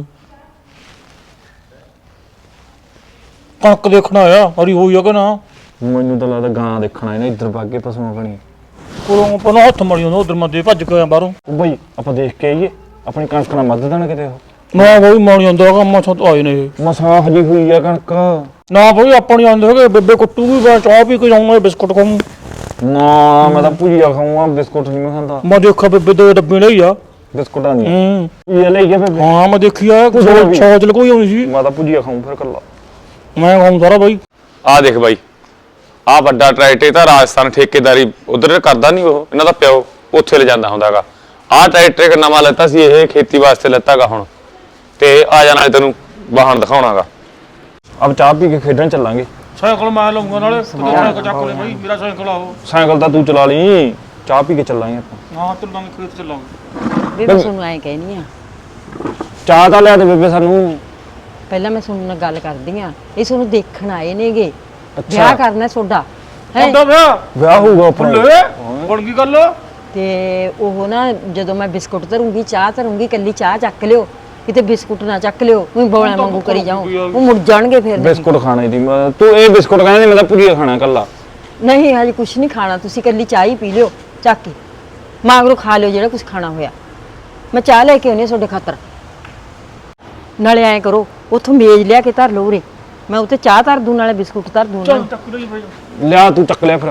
Speaker 2: ਕਣਕ ਦੇਖਣਾ ਆ, ਹਰੀ ਹੋਈ ਆ ਕਿ ਨਾ?
Speaker 8: ਮੈਨੂੰ ਤਾਂ ਲੱਗਦਾ ਗਾਂ ਦੇਖਣਾ ਇਹਨੇ, ਇੱਧਰ ਭਾਗੇ ਪਸ਼ੂਆਂ ਬਣੀ।
Speaker 2: ਕੋਲੋਂ ਪਹਿਲਾਂ ਹੱਥ ਮੜੀ ਜਾਂਦਾ, ਉਧਰ ਮੈਂ ਦੇ ਭੱਜ ਕੇ ਆਇਆ ਬਾਹਰੋਂ।
Speaker 8: ਉਹ ਭਾਈ ਆਪਾਂ ਦੇਖ ਕੇ ਆਈਏ, ਆਪਣੀ ਕਣਕ ਨਾਲ ਮੱਧ ਦੇਣ ਕਿਤੇ ਉਹ।
Speaker 2: ਨਾ ਬਈ ਮਾਣੀ ਜਾਂਦਾ ਹੈਗਾ, ਮਸਾਂ ਤੋਂ ਆਏ ਨੇ ਇਹ।
Speaker 8: ਮਸਾਂ ਹਜੀ ਹੋਈ ਆ ਕਣਕ।
Speaker 2: ਨਾ ਬਈ ਆਪਾਂ ਨਹੀਂ ਆਉਂਦੇ ਹੈਗੇ, ਬੇਬੇ ਕੁੱਟੂਗੀ, ਮੈਂ ਚਾਹ ਪੀ ਕੇ ਜਾਊਂਗਾ, ਬਿਸਕੁਟ ਖਾਊਂ।
Speaker 8: ਨਾ ਮੈਂ ਤਾਂ ਭੁਜੀਆ ਖਾਊਂਗਾ, ਬਿਸਕੁਟ ਨਹੀਂ ਮੈਂ ਖਾਂਦਾ।
Speaker 2: ਮੈਂ ਦੇਖਿਆ ਬੇਬੇ ਦੋ ਡੱਬੇ ਲਈ ਆ
Speaker 8: ਬਿਸਕੁਟਾਂ ਦੀ
Speaker 2: ਹੂੰ
Speaker 8: ਇਹ ਲਈ ਗਿਆ ਬੇਬੇ।
Speaker 2: ਹਾਂ ਮੈਂ ਦੇਖੀ ਆ, ਸੌਚ ਲਕੋਈ ਆਉਣੀ ਸੀ।
Speaker 8: ਮੈਂ ਤਾਂ ਭੁਜੀਆ ਖਾਊਂ ਫਿਰ ਕੱਲਾ।
Speaker 2: ਮੈਂ ਖਾਊਂ ਸਾਰਾ ਬਾਈ।
Speaker 1: ਆ ਦੇਖ ਬਾਈ, ਆ ਵੱਡਾ ਟਰੈਕਟਰ ਤਾਂ ਰਾਜਸਥਾਨ ਠੇਕੇਦਾਰੀ ਉਧਰ ਕਰਦਾ ਨਹੀਂ, ਉਹ ਇਹਨਾਂ ਦਾ ਪਿਓ ਉੱਥੇ ਲੈ ਜਾਂਦਾ ਹੁੰਦਾਗਾ। ਆਹ ਟਰੈਕਟਰ ਇੱਕ ਨਵਾਂ ਲੈਤਾ ਸੀ, ਇਹ ਖੇਤੀ ਵਾਸਤੇ ਲੈਤਾਗਾ ਹੁਣ, ਤੇ ਆ ਜਾਣਾ ਤੈਨੂੰ ਵਾਹਣ ਦਿਖਾਉਣਾਗਾ।
Speaker 8: ਅਬ ਚਾਹ ਪੀ ਕੇ ਖੇਡਣ ਚੱਲਾਂਗੇ।
Speaker 2: ਸਾਈਕਲ ਮੈਂ ਲਊਂਗਾ, ਨਾਲੇ ਸਾਈਕਲ ਚੱਕ ਲੈ ਬਾਈ, ਮੇਰਾ ਸਾਈਕਲ ਆ ਉਹ।
Speaker 8: ਸਾਈਕਲ ਤਾਂ ਤੂੰ ਚਲਾ ਲਈ, ਚਾਹ ਪੀ ਕੇ ਚੱਲਾਂਗੇ ਆਪਾਂ।
Speaker 2: ਹਾਂ ਚੱਲਾਂਗੇ, ਖੇਤ ਚੱਲਾਂਗੇ।
Speaker 6: ਬੇਬੇ ਤੁਹਾਨੂੰ ਐਂ ਕਹਿਨੀ ਆ,
Speaker 8: ਚਾਹ ਤਾਂ ਲਿਆ ਦੇ ਬੇਬੇ ਸਾਨੂੰ।
Speaker 6: ਪਹਿਲਾਂ ਮੈਂ ਤੁਹਾਨੂੰ ਨਾਲ ਗੱਲ ਕਰਦੀ ਆ, ਇਹ ਤੁਹਾਨੂੰ ਦੇਖਣ ਆਏ ਨੇਗੇ, ਵਿਆਹ ਕਰਨਾ ਤੁਹਾਡਾ ਹੈ।
Speaker 2: ਹੁੰਦਾ ਵਿਆਹ
Speaker 8: ਵਿਆਹ ਹੋਊਗਾ ਆਪਣਾ।
Speaker 2: ਲੈ ਬਣ ਗਈ ਗੱਲ।
Speaker 6: ਤੇ ਉਹ ਨਾ ਜਦੋਂ ਮੈਂ ਬਿਸਕੁਟ ਧਰੂੰਗੀ, ਚਾਹ ਧਰੂੰਗੀ, ਕੱਲੀ ਚਾਹ ਚੱਕ ਲਿਓ, ਕਿਤੇ ਬਿਸਕੁਟ ਨਾ ਚੱਕ ਲਿਓ, ਉਹ ਬੋਲਾਂ ਵਾਂਗੂ ਕਰੀ ਜਾਓ, ਉਹ ਮੁੜ ਜਾਣਗੇ ਫਿਰ।
Speaker 8: ਬਿਸਕੁਟ ਖਾਣੇ ਦੀ ਮੈਂ- ਤੂੰ ਇਹ ਬਿਸਕੁਟ ਕਹਿੰਦੀ, ਮੈਂ ਤਾਂ ਭੁਜੀਆ ਖਾਣਾ ਕੱਲਾ।
Speaker 6: ਨਹੀਂ ਹਜੇ ਕੁਛ ਨਹੀਂ ਖਾਣਾ, ਤੁਸੀਂ ਕੱਲੀ ਚਾਹ ਹੀ ਪੀ ਲਿਓ ਚੱਕ ਕੇ, ਮਾਗਰੋ ਖਾ ਲਿਓ ਜਿਹੜਾ ਕੁਛ ਖਾਣਾ ਹੋਇਆ। ਮੈਂ ਚਾਹ ਲੈ ਕੇ ਆਉਣੀ ਤੁਹਾਡੇ ਖਾਤਰ। ਨਾਲੇ ਐਂ ਕਰੋ, ਉੱਥੋਂ ਮੇਜ਼ ਲਿਆ ਕੇ ਧਰ ਲਓ ਉਰੇ, ਮੈਂ ਉੱਤੇ ਚਾਹ ਧਰ ਦੂੰ, ਨਾਲੇ ਬਿਸਕੁਟ ਧਰ ਦੂੰ।
Speaker 2: ਚੱਲ ਚੱਕ ਲਈ ਬਾਈ।
Speaker 8: ਲਿਆ ਤੂੰ ਚੱਕ ਲਿਆ ਫਿਰ।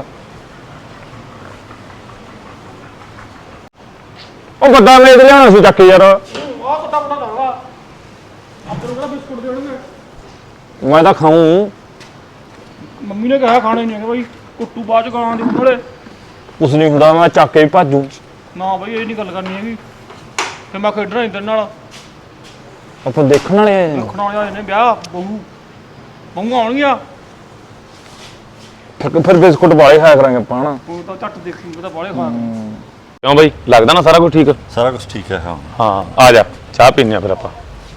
Speaker 8: ਉਹ ਵੱਡਾ ਮੇਜ਼ ਲਿਆਉਣਾ ਸੀ ਚੱਕ ਯਾਰ।
Speaker 2: ਆਹ ਕਿੱਦਾਂ ਪਤਾ ਕਰਵਾ ਆਪਾਂ ਨੂੰ ਕਿਹੜਾ ਬਿਸਕੁਟ ਦੇਣਗੇ?
Speaker 8: ਮੈਂ ਤਾਂ ਖਾਊਂ।
Speaker 2: ਮੰਮੀ ਨੇ ਕਿਹਾ ਖਾਣੇ ਨਹੀਂ ਹੈਗੇ ਬਾਈ, ਕੁੱਟੂ ਬਾਅਦ ਚ ਗਾਲਾਂ ਦੇ ਕੋਲੇ।
Speaker 8: ਕੁਛ ਨਹੀਂ ਹੁੰਦਾ, ਮੈਂ ਚੱਕ ਕੇ ਹੀ ਭਾਜੂ।
Speaker 2: ਨਾ ਬਾਈ ਇਹ ਨਹੀਂ ਗੱਲ ਕਰਨੀ ਹੈਗੀ, ਫਿਰ ਮੈਂ ਖੇਡਣਾ ਨਹੀਂ ਤੇਰੇ ਨਾਲ।
Speaker 8: ਆਪਾਂ ਦੇਖਣ ਵਾਲੇ ਆਏ ਨੇ।
Speaker 2: ਦੇਖਣ ਵਾਲੇ ਆਏ ਨੇ, ਵਿਆਹ ਬਹੂ ਬਹੂ ਆਉਣਗੀਆਂ।
Speaker 8: ਫਿਰ ਫਿਰ ਬਿਸਕੁਟ ਵਾਲੇ ਖਾਇਆ ਕਰਾਂਗੇ ਆਪਾਂ ਹਨਾ।
Speaker 2: ਉਹ ਤਾਂ ਝੱਟ ਦੇਖੀ ਪਤਾ ਬਾਲੇ ਖਾ
Speaker 1: ਕਿਉਂ ਬਾਈ, ਲੱਗਦਾ ਨਾ ਸਾਰਾ ਕੁਝ ਠੀਕ?
Speaker 7: ਸਾਰਾ ਕੁਝ ਠੀਕ ਹੈ। ਹਾਂ
Speaker 1: ਹਾਂ ਆ ਜਾ, ਚਾਹ ਪੀਨੇ ਆ ਫਿਰ ਆਪਾਂ।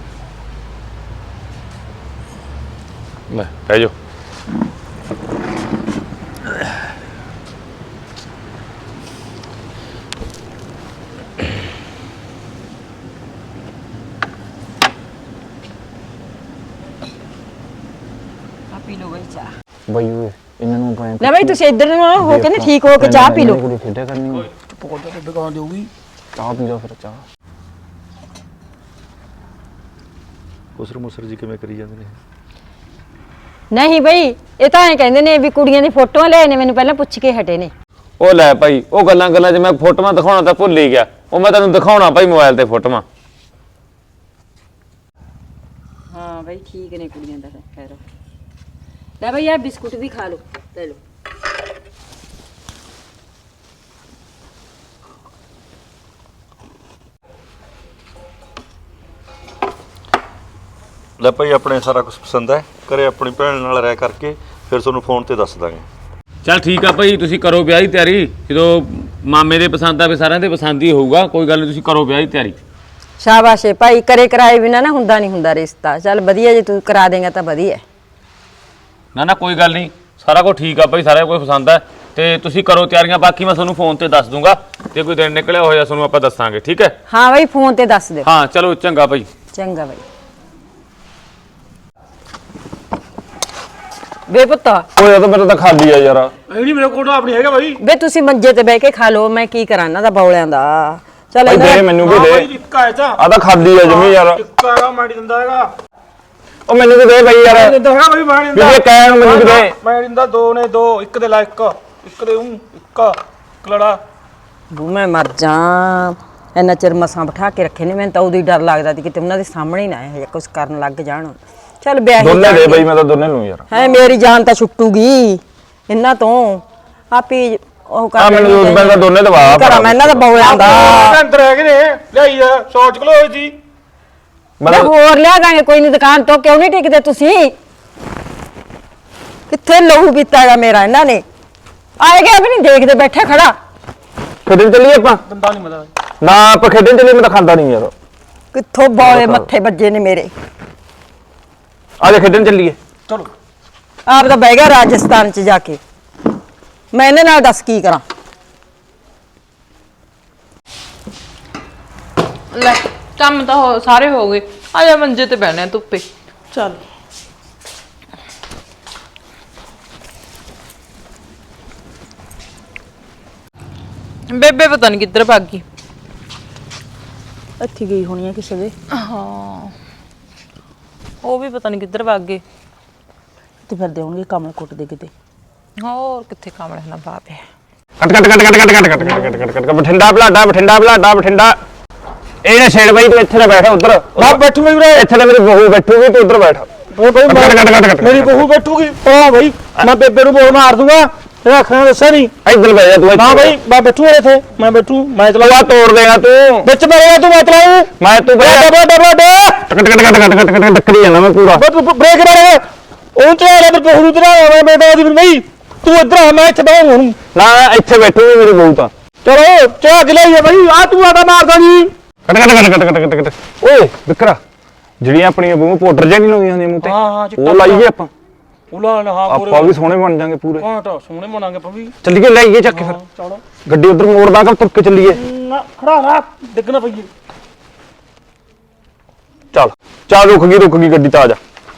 Speaker 1: ਲੈ ਬਹਿ ਜਾਓ।
Speaker 6: ਆ ਪੀ ਲਓ ਬਈ ਚਾਹ।
Speaker 8: ਬਈ ਓਏ ਇਹਨਾਂ ਨੂੰ ਆਪਾਂ
Speaker 6: ਲੈ ਬਈ ਤੁਸੀਂ ਇੱਧਰ ਨੂੰ ਆਓ, ਹੋ ਕੇ ਨਾ ਠੀਕ ਹੋ ਕੇ ਚਾਹ ਪੀ ਲਓ।
Speaker 8: ਕੁੜੀ ਖੇਡਿਆ ਕਰਨੀ।
Speaker 2: ਪਕੌੜਾ ਤੇ ਦੁਕਾਨ ਦੇਊਗੀ।
Speaker 8: ਚਾਹ ਪੀ ਲਓ ਫਿਰ ਚਾਹ।
Speaker 7: ਉਸਰ ਮੁਸਰ ਜੀ ਕਿਵੇਂ ਕਰੀ ਜਾਂਦੇ ਨੇ?
Speaker 6: ਨਹੀਂ ਬਈ, ਇਹ ਤਾਂ ਐਂ ਕਹਿੰਦੇ ਨੇ ਵੀ ਕੁੜੀਆਂ ਦੀ ਫੋਟੋਆਂ ਲੈ ਨੇ, ਮੈਨੂੰ ਪਹਿਲਾਂ ਪੁੱਛ ਕੇ ਹਟੇ ਨੇ।
Speaker 1: ਉਹ ਲੈ ਭਾਈ, ਉਹ ਗੱਲਾਂ ਗੱਲਾਂ 'ਚ ਮੈਂ ਫੋਟੋਆਂ ਦਿਖਾਉਣਾ ਤਾਂ ਭੁੱਲ ਹੀ ਗਿਆ, ਉਹ ਮੈਂ ਤੈਨੂੰ ਦਿਖਾਉਣਾ ਭਾਈ ਮੋਬਾਈਲ ਤੇ ਫੋਟੋਆਂ।
Speaker 6: ਹਾਂ ਬਈ ਠੀਕ ਨੇ ਕੁੜੀਆਂ ਦਾ ਖੈਰ। ਲੈ ਬਈ ਆ ਬਿਸਕੁਟ ਵੀ ਖਾ ਲਓ, ਲੈ ਲਓ।
Speaker 7: ਲੈ ਭਾਈ ਆਪਣੇ ਸਾਰਾ ਕੁਝ ਪਸੰਦ ਹੈ, ਘਰੇ ਆਪਣੀ ਭੈਣ ਨਾਲ ਰਹਿ ਕਰਕੇ ਫਿਰ ਤੁਹਾਨੂੰ ਫੋਨ ਤੇ ਦੱਸ ਦਾਂਗੇ।
Speaker 1: ਚੱਲ ਠੀਕ ਆ ਭਾਈ, ਤੁਸੀਂ ਕਰੋ ਵਿਆਹ ਦੀ ਤਿਆਰੀ, ਜਦੋਂ ਮਾਮੇ ਦੇ ਪਸੰਦ ਆਵੇ ਸਾਰਿਆਂ ਦੇ ਪਸੰਦ ਹੀ ਹੋਊਗਾ, ਕੋਈ ਗੱਲ ਨਹੀਂ, ਤੁਸੀਂ ਕਰੋ ਵਿਆਹ ਦੀ ਤਿਆਰੀ।
Speaker 6: ਸ਼ਾਬਾਸ਼ ਏ ਭਾਈ, ਕਰੇ ਕਰਾਏ ਬਿਨਾ ਨਾ ਹੁੰਦਾ ਨਹੀਂ ਹੁੰਦਾ ਰਿਸ਼ਤਾ। ਚੱਲ ਵਧੀਆ, ਜੇ ਤੂੰ ਕਰਾ ਦੇਂਗਾ ਤਾਂ ਵਧੀਆ।
Speaker 1: ਨਾ ਨਾ ਕੋਈ ਗੱਲ ਨਹੀਂ, ਸਾਰਾ ਕੁਝ ਠੀਕ ਆ ਭਾਈ, ਸਾਰਾ ਕੁਝ ਪਸੰਦ ਹੈ, ਤੇ ਤੁਸੀਂ ਕਰੋ ਤਿਆਰੀਆਂ, ਬਾਕੀ ਮੈਂ ਤੁਹਾਨੂੰ ਫੋਨ ਤੇ ਦੱਸ ਦੂੰਗਾ, ਤੇ ਕੋਈ ਦਿਨ ਨਿਕਲਿਆ ਹੋਇਆ ਤੁਹਾਨੂੰ ਆਪਾਂ ਦੱਸਾਂਗੇ, ਠੀਕ ਹੈ?
Speaker 6: ਹਾਂ ਬਈ ਫੋਨ ਤੇ ਦੱਸ ਦਿਓ।
Speaker 1: ਹਾਂ ਚਲੋ ਚੰਗਾ ਭਾਈ।
Speaker 6: ਚੰਗਾ ਬਈ। ਬੇ ਪੁੱਤ,
Speaker 8: ਓਏ ਇਹ ਤਾਂ ਮੇਰਾ ਤਾਂ ਖਾਲੀ ਆ ਯਾਰ।
Speaker 2: ਇਹ ਨਹੀਂ ਮੇਰੇ ਕੋਲ ਆਪਣੀ ਹੈਗਾ ਬਾਈ।
Speaker 6: ਬੇ ਤੁਸੀਂ ਮੰਜੇ ਤੇ ਬਹਿ ਕੇ ਖਾ ਲਓ, ਮੈਂ ਕੀ ਕਰਾਂ ਇਹਨਾਂ ਦਾ ਬੌਲਿਆਂ ਦਾ। ਚੱਲ
Speaker 8: ਭਾਈ ਦੇ ਮੈਨੂੰ ਵੀ
Speaker 2: ਹਾਂ
Speaker 8: ਦੇ।
Speaker 2: ਬਾਈ ਇੱਕ ਆਇਆ ਤਾਂ
Speaker 8: ਆ ਤਾਂ ਖਾਲੀ ਆ ਜਮੀ ਯਾਰ।
Speaker 2: ਇੱਕ ਆਇਆ ਮਾੜੀ ਦਿੰਦਾ ਹੈਗਾ।
Speaker 8: ਉਹ ਮੈਨੂੰ ਵੀ ਦੇ ਬਈ ਯਾਰ।
Speaker 2: ਦਿੰਦਾ ਹੈਗਾ ਬਾਈ, ਮੈਂ ਨਹੀਂ
Speaker 8: ਵੀ ਇਹ ਕਹਿਣ ਨੂੰ ਮੈਨੂੰ ਵੀ ਦੇ।
Speaker 2: ਮੈਂ ਦਿੰਦਾ, ਦੋ ਨੇ ਦੋ, ਇੱਕ ਦੇ ਲਾ ਇੱਕ, ਇੱਕ ਦੇ ਉਂ ਇੱਕ ਕਲੜਾ।
Speaker 6: ਬੂ ਮੈਂ ਮਰ ਜਾ, ਇੰਨਾ ਚਿਰ ਮਸਾਂ ਬਿਠਾ ਕੇ ਰੱਖੇ ਨੇ, ਮੈਨੂੰ ਤਾਂ ਉਦੋਂ ਹੀ ਡਰ ਲੱਗਦਾ ਸੀ ਕਿਤੇ ਉਹਨਾਂ ਦੇ ਸਾਹਮਣੇ ਹੀ ਨਾ ਇਹ ਜਿਹਾ ਕੁਝ ਕਰਨ ਲੱਗ ਜਾਣ। ਚੱਲ ਵਿਆਹ
Speaker 8: ਦੋਨੇ ਦੇ ਬਈ, ਮੈਂ ਤਾਂ ਦੋਨੇ ਲੂੰ ਯਾਰ।
Speaker 6: ਹੈ, ਮੇਰੀ ਜਾਨ ਤਾਂ ਛੁੱਟੂਗੀ ਇਹਨਾਂ ਤੋਂ। ਆਪੀ ਉਹ
Speaker 8: ਆ ਮੈਨੂੰ ਉਸ ਬੰਦਾ ਦੋਨੇ ਦਵਾ
Speaker 6: ਕਰਾਂ ਮੈਂ ਇਹਨਾਂ ਦਾ ਬੌਲਿਆਂ ਦਾ
Speaker 2: ਆਹ ਅੰਦਰ ਹੈਗੇ ਨੇ ਲਿਆਈ ਆ ਸੌਚ ਕਿਲੋ ਹੋਈ ਸੀ
Speaker 6: ਮੈਂ ਹੋਰ ਲਿਆ ਦਾਂਗੇ ਕੋਈ ਨਹੀਂ ਦੁਕਾਨ ਤੋਂ ਕਿਉਂ ਨਹੀਂ ਟਿਕਦੇ ਤੁਸੀਂ ਕਿੱਥੇ ਲਹੂ ਪੀਤਾਗਾ ਮੇਰਾ ਇਹਨਾਂ ਨੇ ਆਏ ਗਿਆ ਵੀ ਨਹੀਂ ਦੇਖਦੇ ਬੈਠੇ ਖੜਾ
Speaker 8: ਖੇਡਣ ਚੱਲੀਏ ਆਪਾਂ
Speaker 2: ਦੰਦਾ ਨਹੀਂ ਮਦਾ
Speaker 8: ਨਾ ਆਪਾਂ ਖੇਡਣ ਚੱਲੀਏ ਮੈਂ ਤਾਂ ਖਾਂਦਾ ਨਹੀਂ ਯਾਰ
Speaker 6: ਕਿੱਥੋਂ ਬੌਲੇ ਮੱਥੇ ਵੱਜੇ ਨੇ ਮੇਰੇ
Speaker 8: ਆ ਜਾ ਖੇਡਣ ਚੱਲੀਏ
Speaker 2: ਚਲੋ
Speaker 6: ਆਪ ਤਾਂ ਬਹਿ ਗਿਆ ਰਾਜਸਥਾਨ ਚ ਜਾ ਕੇ ਮੈਂ ਇਹਨਾਂ ਨਾਲ ਦੱਸ ਕੀ ਕਰਾਂ
Speaker 3: ਲੈ ਕੰਮ ਤਾਂ ਹੋ- ਸਾਰੇ ਹੋ ਗਏ ਆ ਜਾ ਮੰਜੇ ਤੇ ਬਹਿਣਾ ਧੁੱਪੇ ਚੱਲ ਬੇਬੇ ਪਤਾ ਨਹੀਂ ਕਿੱਧਰ ਭੱਗ ਗਈ
Speaker 6: ਇੱਥੇ ਗਈ ਹੋਣੀ ਹੈ ਕਿਸੇ ਦੇ
Speaker 3: ਹਾਂ ਉਹ ਵੀ ਪਤਾ ਨਹੀਂ ਕਿੱਧਰ ਭੱਗ ਗਏ
Speaker 6: ਤੇ ਫਿਰ ਦੇਉਣਗੇ ਕਮਲ ਕੁੱਟ ਦੇ ਕਿਤੇ
Speaker 3: ਹੋਰ ਕਿੱਥੇ ਕਾਮਲੇ ਨਾ ਬਾਪੇ
Speaker 8: ਕੱਟ ਕੱਟ ਕੱਟ ਕੱਟ ਕੱਟ ਕੱਟ ਕੱਟ ਕੱਟ ਕੱਟ ਕੱਟ ਬਠਿੰਡਾ ਬਲਾਡਾ ਬਠਿੰਡਾ ਬਲਾਡਾ ਬਠਿੰਡਾ ਇਹ ਨਾ ਛੇੜ ਬਾਈ ਤੂੰ ਇੱਥੇ ਨਾ ਬੈਠ ਉਧਰ
Speaker 2: ਮੈਂ ਬੈਠੂਗਾ ਵੀਰੇ
Speaker 8: ਇੱਥੇ ਤਾਂ ਮੇਰੀ ਬਹੂ ਬੈਠੂਗੀ ਤੂੰ ਉਧਰ ਬੈਠ
Speaker 2: ਓਏ ਭਾਈ
Speaker 8: ਕੱਟ ਕੱਟ ਕੱਟ ਕੱਟ
Speaker 2: ਮੇਰੀ ਬਹੂ ਬੈਠੂਗੀ ਹਾਂ ਭਾਈ ਮੈਂ ਬੇਬੇ ਨੂੰ ਬੋਲ ਮਾਰ ਦੂੰਗਾ ਤੇਰਾ ਅੱਖਾਂ ਦੱਸਿਆ ਨਹੀਂ
Speaker 8: ਇੱਧਰ ਬਹਿ ਜਾ ਤੂੰ
Speaker 2: ਨਾ ਭਾਈ ਮੈਂ ਬੈਠੂ ਇੱਥੇ ਮੈਂ ਬੈਠੂ ਮੈਂ ਚਲਾ
Speaker 8: ਤੂੰ ਆ ਤੋੜ ਦੇਗਾ ਤੂੰ
Speaker 2: ਵਿੱਚ ਮੇਰੇ ਤੂੰ ਮੈਂ ਚਲਾਉ
Speaker 8: ਮੈਂ ਤੂੰ ਬਹਿ ਜਾ
Speaker 2: ਡਬਲ ਡਬਲ
Speaker 8: ਕੱਟ ਕੱਟ ਕੱਟ ਕੱਟ ਕੱਟ ਕੱਟ ਟੱਕਰੀ ਜਾਂਦਾ ਮੈਂ ਪੂਰਾ
Speaker 2: ਬਟ ਬ੍ਰੇਕ ਮਾਰ ਉਹ ਚਲਾ ਰਿਹਾ ਤੇ ਬਹੂ ਨੂੰ ਤੇਰਾ ਮੈਂ ਬੇਟਾ ਦੀ ਨਹੀਂ ਤੂੰ ਇੱਧਰ ਆ ਮੈਂ ਇੱਥੇ ਬਹਿ ਹੁਣ
Speaker 8: ਨਾ ਇੱਥੇ ਬੈਠੂਗੀ ਮੇਰੀ ਬਹੂ ਤਾਂ
Speaker 2: ਚਲੋ ਚਾਹ ਦਿਲਾਈਏ ਭਾਈ ਆ ਤੂੰ ਆਦਾ ਮਾਰਦਾ ਨਹੀਂ
Speaker 8: ਕੱਟ ਕੱਟ ਕੱਟ ਕੱਟ ਕੱਟ ਕੱਟ ਓਏ ਵਿਕਰਾ ਜਿਹੜੀਆਂ ਆਪਣੀਆਂ ਬਹੂ ਪਾਊਡਰ ਜਾਂ ਨਹੀਂ ਲਾਉਂਦੀਆਂ ਹੁੰਦੀਆਂ ਮੂੰਹ ਤੇ
Speaker 2: ਹਾਂ, ਹਾਂ, ਚਿੱਟਾ
Speaker 8: ਉਹ ਲਾਈਏ ਆਪਾਂ
Speaker 2: ਉਲਾ ਨਾ ਹਾਂ ਪੂਰੇ
Speaker 8: ਆਪਾਂ ਵੀ ਸੋਹਣੇ ਬਣ ਜਾਾਂਗੇ ਪੂਰੇ
Speaker 2: ਹਾਂ ਤਾਂ ਸੋਹਣੇ ਬਣਾਂਗੇ ਪਵੀ
Speaker 8: ਚੱਲੀਏ ਲਾਈਏ ਚੱਕ ਕੇ ਫਿਰ
Speaker 2: ਚਲੋ
Speaker 8: ਗੱਡੀ ਉਧਰ ਮੋੜਦਾ ਕਿ ਤੁਰ ਕੇ ਚੱਲੀਏ
Speaker 2: ਨਾ ਖੜਾ ਰਾ ਡਿੱਗਣਾ ਪਈਏ
Speaker 8: ਚੱਲ ਚੱਲ ਰੁਕ ਗਈ ਰੁਕ ਗਈ ਗੱਡੀ ਤਾਂ ਆ ਜਾ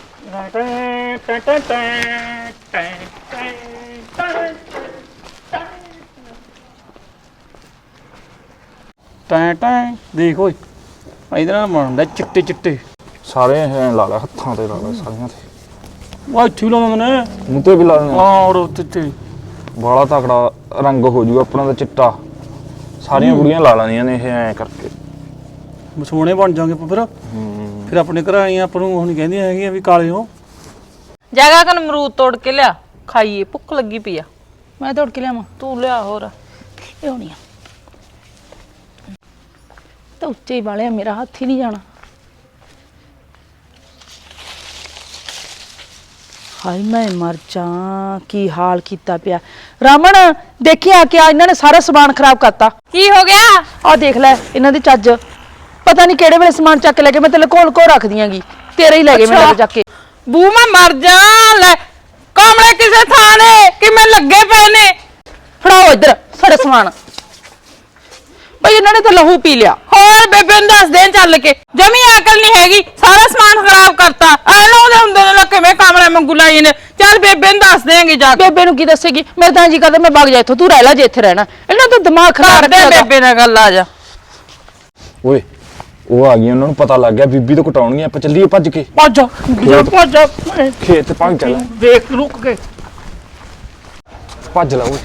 Speaker 2: ਟੈਂ ਟੈਂ ਦੇਖ ਓਏ ਇਹਦੇ ਨਾਲ ਬਣਦਾ ਚਿੱਟੇ ਚਿੱਟੇ
Speaker 8: ਸਾਰੇ ਐ ਲਾ ਲੈ ਹੱਥਾਂ ਤੇ ਲਾ ਲੈ ਸਾਰੀਆਂ ਤੇ
Speaker 2: ਉਹ ਇੱਥੇ ਲਾਉਂਦੇ ਨੇ
Speaker 8: ਮੂੰਹ ਤੇ ਵੀ ਲਾ ਲੈਣੇ
Speaker 2: ਹਾਂ ਔਰ ਉੱਤੇ ਤੇ
Speaker 8: ਬਾਲਾ ਤਕੜਾ ਰੰਗ ਹੋ ਜੂਗਾ ਆਪਣਾ ਦਾ ਚਿੱਟਾ ਸਾਰੀਆਂ ਕੁੜੀਆਂ ਲਾ ਲੈਂਦੀਆਂ ਨੇ ਇਹ ਐ ਕਰਕੇ
Speaker 2: ਸੋਹਣੇ ਬਣ ਜਾਾਂਗੇ ਫਿਰ ਫਿਰ ਆਪਣੇ ਘਰ ਆਈਆਂ ਆਪਾਂ ਨੂੰ ਹੁਣ ਕਹਿੰਦੀਆਂ ਹੈਗੀਆਂ ਵੀ ਕਾਲੇ ਹੋ
Speaker 3: ਜਗਾ ਕਨ ਅਮਰੂਦ ਤੋੜ ਕੇ ਲਿਆ ਖਾਈਏ ਭੁੱਖ ਲੱਗੀ ਪਈ ਆ
Speaker 9: ਮੈਂ ਤੋੜ ਕੇ ਲਿਆਵਾਂ
Speaker 3: ਤੂੰ ਲਿਆ ਹੋਰ
Speaker 9: ਲਿਆਉਣੀ ਆ ਤਾਂ ਉੱਚੇ ਹੀ ਵਾਲਿਆ ਮੇਰਾ ਹੱਥ ਹੀ ਨਹੀਂ ਜਾਣਾ ਹਾਏ ਮੈਂ ਮਰ ਜਾ ਕੀ ਹਾਲ ਕੀਤਾ ਪਿਆ ਰਾਮਣ ਦੇਖੀ ਆ ਕੇ ਆ ਇਹਨਾਂ ਨੇ ਸਾਰਾ ਸਮਾਨ ਖਰਾਬ ਕਰਤਾ
Speaker 3: ਕੀ ਹੋ ਗਿਆ
Speaker 9: ਆ ਦੇਖ ਲੈ ਇਹਨਾਂ ਦੀ ਚੱਜ ਪਤਾ ਨਹੀਂ ਕਿਹੜੇ ਵੇਲੇ ਸਮਾਨ ਚੱਕ ਲੈ ਕੇ ਮੈਂ ਤੇ ਲਕੋਲ ਕੋ ਰੱਖ ਦਿਆਂਗੀ ਤੇਰੇ ਹੀ ਲੈ ਗਏ ਮੈਨੂੰ ਚੱਕ ਕੇ
Speaker 3: ਬੂ ਮੈਂ ਮਰ ਜਾ ਲੈ ਕਾਮਲੇ ਕਿਸੇ ਥਾਂ ਨੇ ਕਿ ਮੈਂ ਲੱਗੇ ਪਏ ਨੇ
Speaker 9: ਫੜਾਓ ਇੱਧਰ ਸਾਡਾ ਸਮਾਨ ਬਈ ਇਹਨਾਂ ਨੇ ਤਾਂ ਲਹੂ ਪੀ ਲਿਆ
Speaker 3: ਹੋਰ ਬੇਬੇ ਨੂੰ ਦੱਸ ਦੇ ਚੱਲ ਕੇ ਜਮੀ ਅਕਲ ਨਹੀਂ ਹੈਗੀ ਸਾਰਾ ਸਮਾਨ ਖਰਾਬ ਕਰਤਾ ਐ ਲਾਉਂਦੇ ਹੁੰਦੇ ਨੇ ਲੱਕੇ ਮੈਂ ਕਾਮਲੇ ਮੰਗੂ ਲਾਈ ਨੇ ਚੱਲ ਬੇਬੇ ਨੂੰ ਦੱਸ ਦੇਂਗੇ ਜਾ ਕੇ
Speaker 9: ਬੇਬੇ ਨੂੰ ਕੀ ਦੱਸੇਗੀ ਮੇਰੇ ਤਾਂ ਜੀ ਕਰਦਾ ਮੈਂ ਵਗ ਜਾ ਇੱਥੋਂ ਤੂੰ ਰਹਿ ਲੈ ਜੇ ਇੱਥੇ ਰਹਿਣਾ ਇਹਨਾਂ ਦਾ ਦਿਮਾਗ ਖਰਾਬ
Speaker 3: ਕਰਦੇ
Speaker 9: ਰੱਖਿਆ
Speaker 3: ਬੇਬੇ ਨਾਲ ਗੱਲ ਆ ਜਾ
Speaker 8: ਓਏ ਉਹ ਆ ਗਈ ਉਹਨਾਂ ਨੂੰ ਪਤਾ ਲੱਗ ਗਿਆ ਬੀਬੀ ਤੋਂ ਕਟਾਉਣਗੀਆਂ ਆਪਾਂ ਚੱਲੀਏ ਭੱਜ ਕੇ
Speaker 2: ਭੱਜ ਜਾ ਭੱਜ ਜਾ
Speaker 8: ਖੇਤ ਭੱਜ ਚੱਲ
Speaker 2: ਦੇਖ ਰੁਕ ਕੇ
Speaker 8: ਭੱਜ ਲਾ ਓਏ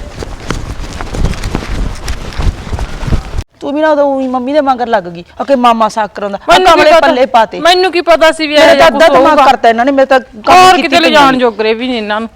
Speaker 9: ਤੂੰ ਵੀ ਨਾ ਉਦੋਂ ਊਂ ਹੀ ਮੰਮੀ ਦੇ ਮਗਰ ਲੱਗ ਗਈ ਓਕੇ ਮਾਮਾ ਸਾਕ ਕਰਾਉਂਦਾ
Speaker 3: ਮੈਨੂੰ ਕੀ
Speaker 9: ਕਮਲੇ
Speaker 3: ਪਤਾ-
Speaker 9: ਪੱਲੇ ਪਾਤੇ
Speaker 3: ਮੈਨੂੰ ਕੀ ਪਤਾ ਸੀ ਵੀ
Speaker 9: ਮੇਰੇ
Speaker 3: ਇਹ
Speaker 9: ਤਾਂ
Speaker 3: ਕੁਝ
Speaker 9: ਅੱਧਾ ਦਿਮਾਗ
Speaker 3: ਹੋਊਗਾ
Speaker 9: ਕਰਤਾ ਇਹਨਾਂ ਨੇ ਮੇਰੇ ਤਾਂ ਕੰਮ
Speaker 3: ਹੋਰ
Speaker 9: ਕੀਤੀ
Speaker 3: ਕਿਤੇ ਲੈ
Speaker 9: ਪਈ
Speaker 3: ਜਾਣ
Speaker 9: ਨਹੀਂ।
Speaker 3: ਜੋਗਰੇ ਵੀ ਨਹੀਂ ਇਹਨਾਂ ਨੂੰ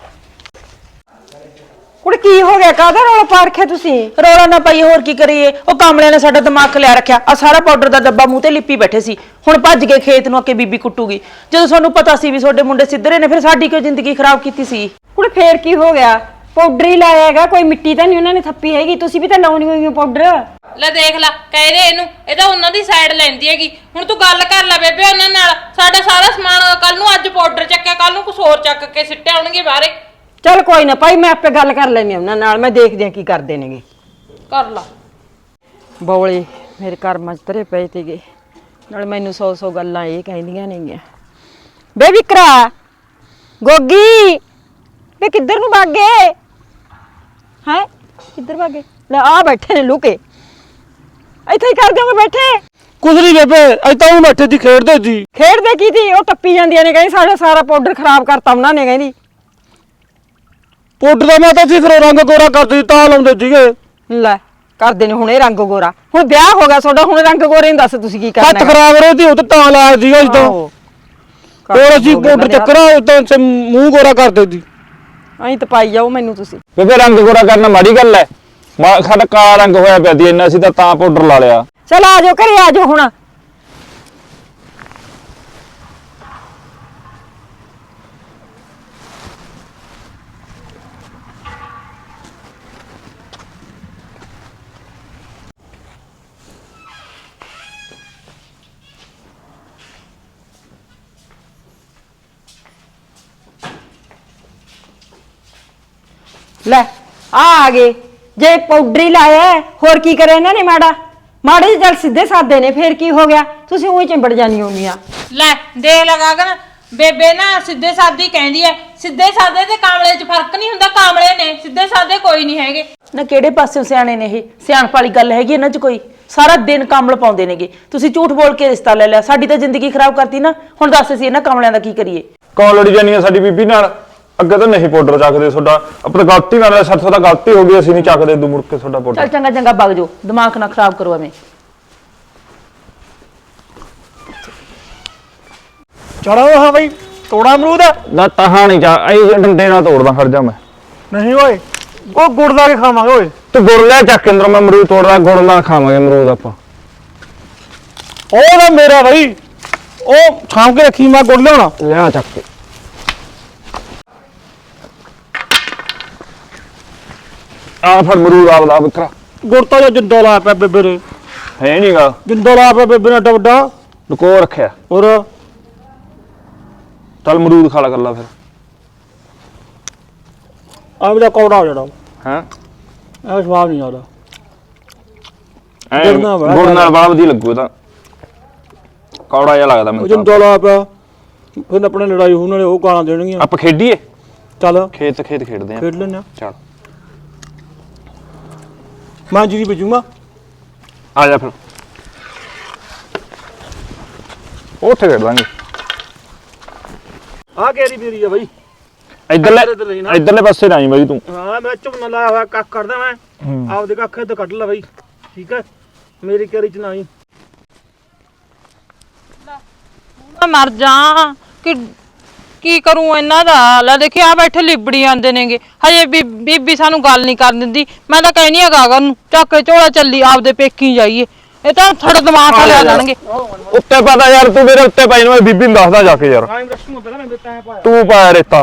Speaker 6: ਕੁੜੇ ਕੀ ਹੋ ਗਿਆ ਕਾਹਦਾ ਰੌਲਾ ਪਾ ਰੱਖਿਆ ਤੁਸੀਂ
Speaker 9: ਰੌਲਾ ਨਾ ਪਾਈ ਹੋਰ ਕੀ ਕਰੀਏ ਉਹ ਕਾਮਲਿਆਂ ਨੇ ਸਾਡਾ ਦਿਮਾਗ ਖਲਿਆ ਰੱਖਿਆ ਆ ਸਾਰਾ ਪਾਊਡਰ ਦਾ ਡੱਬਾ ਮੂੰਹ ਤੇ ਲਿਪੀ ਬੈਠੇ ਸੀ ਹੁਣ ਭੱਜ ਗਏ ਖੇਤ ਨੂੰ ਅੱਕੇ ਬੀਬੀ ਕੁੱਟੂਗੀ ਜਦੋਂ ਸਾਨੂੰ ਪਤਾ ਸੀ ਵੀ ਤੁਹਾਡੇ ਮੁੰਡੇ ਸਿੱਧਰੇ ਨੇ ਫਿਰ ਸਾਡੀ ਕਿਉਂ ਜ਼ਿੰਦਗੀ ਖਰਾਬ ਕੀਤੀ ਸੀ
Speaker 6: ਕੁੜੇ ਫੇਰ ਕੀ ਹੋ ਗਿਆ ਪਾਊਡਰ ਹੀ ਲਾਇਆ ਹੈਗਾ ਕੋਈ ਮਿੱਟੀ ਤਾਂ ਨਹੀਂ ਉਹਨਾਂ ਨੇ ਥੱਪੀ ਹੈਗੀ ਤੁਸੀਂ ਵੀ ਤਾਂ ਲਾਉਣੀ ਹੋਈ ਹੋ ਪਾਊਡਰ
Speaker 3: ਲੈ ਦੇਖ ਲੈ ਕਹਿ ਦੇ ਇਹਨੂੰ ਇਹ ਤਾਂ ਉਹਨਾਂ ਦੀ ਸਾਈਡ ਲੈਂਦੀ ਹੈਗੀ ਹੁਣ ਤੂੰ ਗੱਲ ਕਰ ਲੈ ਬੇਬੇ ਉਹਨਾਂ ਨਾਲ ਸਾਡਾ ਸਾਰਾ ਸਮਾਨ ਕੱਲ ਨੂੰ ਅੱਜ ਪਾਊਡਰ ਚੱਕਿਆ ਕੱਲ ਨੂੰ ਕੁਝ ਹੋਰ ਚੱਕ ਕੇ ਸਿੱਟੇ ਆਉਣਗੇ ਬਾਹਰੇ
Speaker 6: ਚੱਲ ਕੋਈ ਨਾ ਭਾਈ ਮੈਂ ਆਪੇ ਗੱਲ ਕਰ ਲੈਣੀ ਉਹਨਾਂ ਨਾਲ ਮੈਂ ਦੇਖਦੀ ਆ ਕੀ ਕਰਦੇ ਨੇਗੇ
Speaker 3: ਕਰ ਲਾ
Speaker 6: ਬੌਲੇ ਮੇਰੇ ਕਰਮਾਂ 'ਚ ਧਰੇ ਪਏ ਤੇਗੇ ਨਾਲ ਮੈਨੂੰ ਸੌ ਸੌ ਗੱਲਾਂ ਇਹ ਕਹਿੰਦੀਆਂ ਨੇਗੀਆਂ ਬੇ ਵਿਕਰਾ ਗੋਗੀ ਬੇ ਕਿੱਧਰ ਨੂੰ ਭੱਗ ਗਏ ਹੈ ਕਿੱਧਰ ਭੱਗ ਗਏ ਲੈ ਆ ਬੈਠੇ ਨੇ ਲੁਕੇ ਇੱਥੇ ਹੀ ਕਰ ਦਿਓਗੇ ਬੈਠੇ
Speaker 2: ਕੁਝ ਨਹੀਂ ਬੇਬੇ ਅੱਜ ਤਾਂ ਉਹ ਬੈਠੇ ਦੀ ਖੇਡਦੇ ਸੀ
Speaker 6: ਖੇਡਦੇ ਕੀ ਸੀ ਉਹ ਟੱਪੀ ਜਾਂਦੀਆਂ ਨੇ ਕਹਿੰਦੀ ਸਾਡਾ ਸਾਰਾ ਪਾਊਡਰ ਖਰਾਬ ਕਰਤਾ ਉਹਨਾਂ ਨੇ ਕਹਿੰਦੀ
Speaker 2: ਪਾਊਡਰ ਦਾ ਮੈਂ ਤਾਂ ਸੀ ਫਿਰ ਰੰਗ ਗੋਰਾ ਕਰਦੇ ਤਾਂ ਲਾਉਂਦੇ ਸੀਗੇ
Speaker 6: ਲੈ ਕਰਦੇ ਨੇ ਹੁਣ ਇਹ ਰੰਗ ਗੋਰਾ ਹੁਣ ਵਿਆਹ ਹੋ ਗਿਆ ਤੁਹਾਡਾ ਹੁਣ ਰੰਗ ਗੋਰੇ ਨੂੰ ਦੱਸ ਤੁਸੀਂ ਕੀ ਕਰਨਾ
Speaker 2: ਹੱਥ ਖਰਾਬ ਰਹੇ ਸੀ ਉਹ ਤਾਂ ਤਾਂ ਲਾਇਆ ਸੀਗਾ ਅੱਜ ਤਾਂ
Speaker 6: ਆਹੋ।
Speaker 2: ਹੋਰ ਅਸੀਂ ਪਾਊਡਰ ਚੱਕਰਾ ਉਦੋਂ ਸੇ ਮੂੰਹ ਗੋਰਾ ਕਰਦੇ ਸੀ
Speaker 6: ਐਂ ਤਾਂ ਪਾਈ ਜਾਓ ਮੈਨੂੰ ਤੁਸੀਂ।
Speaker 8: ਬੇਬੇ ਰੰਗ ਗੋਰਾ ਕਰਨਾ ਮਾੜੀ ਗੱਲ ਐ। ਮਾ ਸਾਡਾ ਕਾਲਾ ਰੰਗ ਹੋਇਆ ਪਿਆ ਸੀ ਇੰਨਾ ਸੀ ਤਾਂ ਤਾਂ ਪਾਊਡਰ ਲਾ ਲਿਆ।
Speaker 6: ਚਲ ਆ ਜਾਓ ਘਰੇ ਆ ਜਾਓ ਹੁਣ। ਲੈ ਆ ਆ ਗਏ। ਜੇ ਪਾਊਡਰ ਹੀ ਲਾਇਆ ਹੈ, ਹੋਰ ਕੀ ਕਰੇ ਇਹਨਾਂ ਨੇ ਮਾੜਾ ਮਾੜੇ ਜਿਹੇ ਚੱਲ ਸਿੱਧੇ ਸਾਦੇ ਨੇ ਫੇਰ ਕੀ ਹੋ ਗਿਆ? ਤੁਸੀਂ ਉਹੀ ਚਿੰਬੜ ਜਾਣੀ ਹੁੰਦੀਆਂ।
Speaker 3: ਲੈ ਦੇਖ ਲਗਾ ਗਨ ਬੇਬੇ ਨਾ ਸਿੱਧੇ ਸਾਦੇ ਕਹਿੰਦੀ ਐ। ਸਿੱਧੇ ਸਾਦੇ ਤੇ ਕਾਮਲੇ 'ਚ ਫਰਕ ਨਹੀਂ ਹੁੰਦਾ। ਕਾਮਲੇ ਨੇ ਸਿੱਧੇ ਸਾਦੇ ਕੋਈ ਨਹੀਂ ਹੈਗੇ।
Speaker 9: ਨਾ ਕਿਹੜੇ ਪਾਸਿਓਂ ਸਿਆਣੇ ਨੇ ਇਹ? ਸਿਆਣਪ ਵਾਲੀ ਗੱਲ ਹੈਗੀ ਇਹਨਾਂ 'ਚ ਕੋਈ? ਸਾਰਾ ਦਿਨ ਕਮਲ ਪਾਉਂਦੇ ਨੇਗੇ। ਤੁਸੀਂ ਝੂਠ ਬੋਲ ਕੇ ਰਿਸ਼ਤਾ ਲੈ ਲਿਆ, ਸਾਡੀ ਤਾਂ ਜ਼ਿੰਦਗੀ ਖਰਾਬ ਕਰਤੀ ਨਾ। ਹੁਣ ਦੱਸ ਅਸੀਂ ਇਹਨਾਂ ਕਮਲਿਆਂ ਦਾ ਕੀ ਕਰੀਏ?
Speaker 8: ਕੌਣ ਲੜੀ ਜਾਨੀ ਆ ਸਾਡੀ ਬੀਬੀ ਨਾਲ? ਅੱਗੇ ਤਾਂ ਨਹੀਂ ਪਾਊਡਰ ਚੱਕਦੇ ਤੁਹਾਡਾ, ਆਪਣਾ ਗਲਤੀ ਨਾਲ ਸਾਥੋਂ ਤਾਂ ਗਲਤੀ ਹੋ ਗਈ, ਅਸੀਂ ਨਹੀਂ ਚੱਕਦੇ ਦੂ ਮੁੜ ਕੇ ਤੁਹਾਡਾ ਪਾਊਡਰ।
Speaker 9: ਚੱਲ ਚੰਗਾ ਚੰਗਾ ਵਗ ਜਾਓ, ਦਿਮਾਗ ਨਾ ਖਰਾਬ ਕਰੋ ਐਵੇਂ।
Speaker 2: ਚੜੋ ਹਾਂ ਬਈ ਤੋੜਾ ਅਮਰੂਦ
Speaker 8: ਨਾ ਤਹਾਂ ਨਹੀਂ ਜਾ ਇਹ ਡੰਡੇ ਨਾਲ ਤੋੜਦਾ ਖੜ ਜਾ ਮੈਂ।
Speaker 2: ਨਹੀਂ ਓਏ ਉਹ ਗੁੜ ਲਾ ਕੇ ਖਾਵਾਂਗੇ ਓਏ।
Speaker 8: ਤੂੰ ਗੁੜ ਲੈ ਚੱਕ ਅੰਦਰ, ਮੈਂ ਅਮਰੂਦ ਤੋੜਦਾ, ਗੁੜ ਨਾਲ ਖਾਵਾਂਗੇ ਅਮਰੂਦ ਆਪਾਂ।
Speaker 2: ਉਹ ਨਾ ਮੇਰਾ ਬਈ ਉਹ ਛਾਂਵ ਕੇ ਰੱਖੀ, ਮੈਂ ਗੁੜ ਲਿਆਉਣਾ।
Speaker 8: ਲਿਆ ਚੱਕ ਕੇ। ਆ ਫੜ ਅਮਰੂਦ ਆਪ ਦਾ ਵਿਕਰਾ।
Speaker 2: ਗੁੜ ਤਾਂ ਜੋ ਜਿੰਦਾ ਲਾਇਆ ਪਿਆ ਬੇਬੇ ਨੇ।
Speaker 8: ਹੈ ਨਹੀਂਗਾ,
Speaker 2: ਜਿੰਦਾ ਲਾਇਆ ਪਿਆ ਬੇਬੇ ਨੇ ਏਡਾ ਵੱਡਾ।
Speaker 8: ਲੁਕੋ ਰੱਖਿਆ।
Speaker 2: ਹੋਰ
Speaker 8: ਚੱਲ ਅਮਰੂਦ ਖਾ ਲਾ ਕਰ ਲਾ ਫਿਰ।
Speaker 2: ਆ ਮੇਰਾ ਕੌੜਾ ਹੋ ਜਾਣਾ।
Speaker 8: ਹਾਂ
Speaker 2: ਇਹ ਸਵਾਦ ਨਹੀਂ ਆਦਾ।
Speaker 8: ਗੁੜ ਨਾਲ ਬੜਾ ਵਧੀਆ ਲੱਗੂ ਤਾਂ, ਕੌੜਾ ਜਿਹਾ ਲੱਗਦਾ ਮੈਨੂੰ।
Speaker 2: ਜਿੰਦਾ ਲਾਇਆ ਪਿਆ ਫਿਰ ਆਪਣੇ ਲੜਾਈ ਹੋਣ ਵਾਲੇ ਉਹ ਗਾਲਾਂ ਦੇਣਗੀਆਂ।
Speaker 8: ਆਪਾਂ ਖੇਡੀਏ?
Speaker 2: ਚੱਲ
Speaker 8: ਖੇਤ ਖੇਤ ਖੇਡਦੇ ਆ।
Speaker 2: ਖੇਡ ਲੈਂਦੇ ਆ।
Speaker 8: ਚੱਲ
Speaker 2: ਮੈਂ ਜੀ ਬਜੂਗਾ।
Speaker 8: ਆ ਜਾ ਫਿਰ ਉੱਥੇ ਖੇਡ ਦਾਂਗੇ।
Speaker 2: ਆ ਕੇਰੀ ਮੇਰੀ ਆ ਬਈ।
Speaker 8: ਇੱਧਰਲੇ ਇੱਧਰਲੇ ਪਾਸੇ ਨਾ ਆਈ ਬਾਈ ਤੂੰ।
Speaker 2: ਹਾਂ ਮੈਂ ਝੁੰਨਾ ਲਾਇਆ ਹੋਇਆ ਕੱਖ ਕਰਦਾ ਮੈਂ। ਆਪਦੇ ਕੱਖ ਇੱਧਰ ਕੱਢ ਲੈ ਬਈ, ਠੀਕ ਹੈ? ਮੇਰੀ ਕੇਰੀ ਚ ਨਾ ਆਈ।
Speaker 3: ਮੈਂ ਮਰ ਜਾ ਕਿ ਕੀ ਕਰੂੰ ਇਹਨਾਂ ਦਾ। ਲੈ ਦੇਖੀ ਆ ਬੈਠੇ ਲਿਬੜੀ ਆਂਦੇ ਨੇਗੇ। ਹਜੇ ਬੀਬੀ ਸਾਨੂੰ ਗੱਲ ਨਹੀਂ ਕਰਨ ਦਿੰਦੀ। ਮੈਂ ਤਾਂ ਕਹਿਨੀ ਆ ਗਾਗਰ ਨੂੰ ਚੱਕ ਕੇ ਝੋਲਾ ਚੱਲੀ ਆਪਦੇ ਪੇਕੀ ਜਾਈਏ। ਇਹ ਤਾਂ ਥੜ ਦਿਮਾਗ ਖਾ ਲਿਆ ਜਾਣਗੇ।
Speaker 8: ਉੱਤੇ ਪਤਾ ਯਾਰ, ਤੂੰ ਮੇਰੇ ਉੱਤੇ ਪਾਈ ਨੂੰ ਮੈਂ ਬੀਬੀ ਨੂੰ ਦੱਸਦਾ ਜਾ ਕੇ ਯਾਰ। ਤੂੰ ਪਾਇਆ ਰੇਤਾ।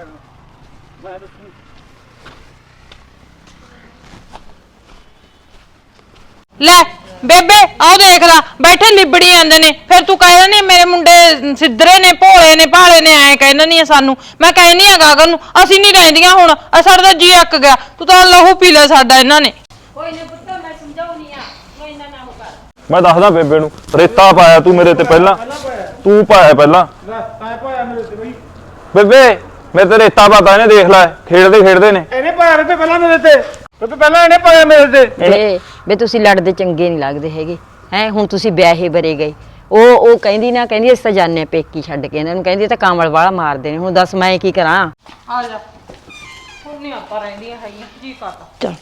Speaker 3: ਲੈ ਬੇਬੇ ਆਹ ਦੇਖ ਲਾ ਬੈਠੇ ਲਿਬੜੀ ਜਾਂਦੇ ਨੇ। ਫਿਰ ਤੂੰ ਕਹਿ ਨਹੀਂ ਮੇਰੇ ਮੁੰਡੇ ਸਿੱਧਰੇ ਨੇ, ਭੋਲੇ ਨੇ, ਭਾਲੇ ਨੇ, ਐ ਕਹਿੰਦਾ ਨਹੀਂ ਸਾਨੂੰ। ਮੈਂ ਕਹਿਨੀ ਆ ਗਾਗਰ ਨੂੰ ਅਸੀਂ ਨਹੀਂ ਰਹਿੰਦੀਆਂ ਹੁਣ, ਸਾਡਾ ਤਾਂ ਜੀ ਅੱਕ ਗਿਆ। ਤੂੰ ਤਾਂ ਲਹੂ ਪੀ ਲਿਆ ਸਾਡਾ ਇਹਨਾਂ ਨੇ। ਕੋਈ ਨਾ ਪੁੱਤ ਮੈਂ ਸਮਝਾਉਣੀ ਆ, ਕੋਈ ਨਾ ਨਾ ਹੋ ਕਰ।
Speaker 8: ਮੈਂ ਦੱਸਦਾ ਬੇਬੇ ਨੂੰ, ਰੇਤਾ ਪਾਇਆ ਤੂੰ ਮੇਰੇ ਤੇ ਪਹਿਲਾਂ। ਤੂੰ ਪਾਇਆ ਪਹਿਲਾਂ ਬੇਬੇ ਮੇਰੇ ਤੇ ਰੇਤਾ ਪਾਤਾ ਇਹਨੇ, ਦੇਖ ਲੈ ਖੇਡਦੇ ਖੇਡਦੇ ਨੇ।
Speaker 2: ਇਹਨੇ ਪਾਇਆ ਬੇਬੇ ਪਹਿਲਾਂ ਮੇਰੇ ਤੇ, ਬੇਬੇ ਪਹਿਲਾਂ ਇਹਨੇ ਪਾਇਆ ਮੇਰੇ ਤੇ।
Speaker 6: ਏ ਵੇ ਤੁਸੀਂ ਲੜਦੇ ਚੰਗੇ ਨਹੀਂ ਲੱਗਦੇ ਹੈਗੇ ਹੈ। ਹੁਣ ਤੁਸੀਂ ਵਿਆਹੇ ਬਰੇ ਗਏ। ਉਹ ਉਹ ਕਹਿੰਦੀ ਨਾ, ਕਹਿੰਦੀ ਅਸੀਂ ਤਾਂ ਜਾਣੇ ਆ ਪੇਕੀ ਛੱਡ ਕੇ ਇਹਨਾਂ ਨੂੰ। ਕਹਿੰਦੀ ਤਾਂ ਕਾਮਲ ਵਾਲਾ ਮਾਰਦੇ ਨੇ। ਹੁਣ ਦੱਸ ਮੈਂ ਕੀ ਕਰਾਂ?
Speaker 3: ਆ ਜਾ ਹੁਣ ਨਹੀਂ ਆਪਾਂ ਰਹਿੰਦੀਆਂ ਹੈਗੀਆਂ ਜੀ ਕਰਦਾ।
Speaker 6: ਚੱਲ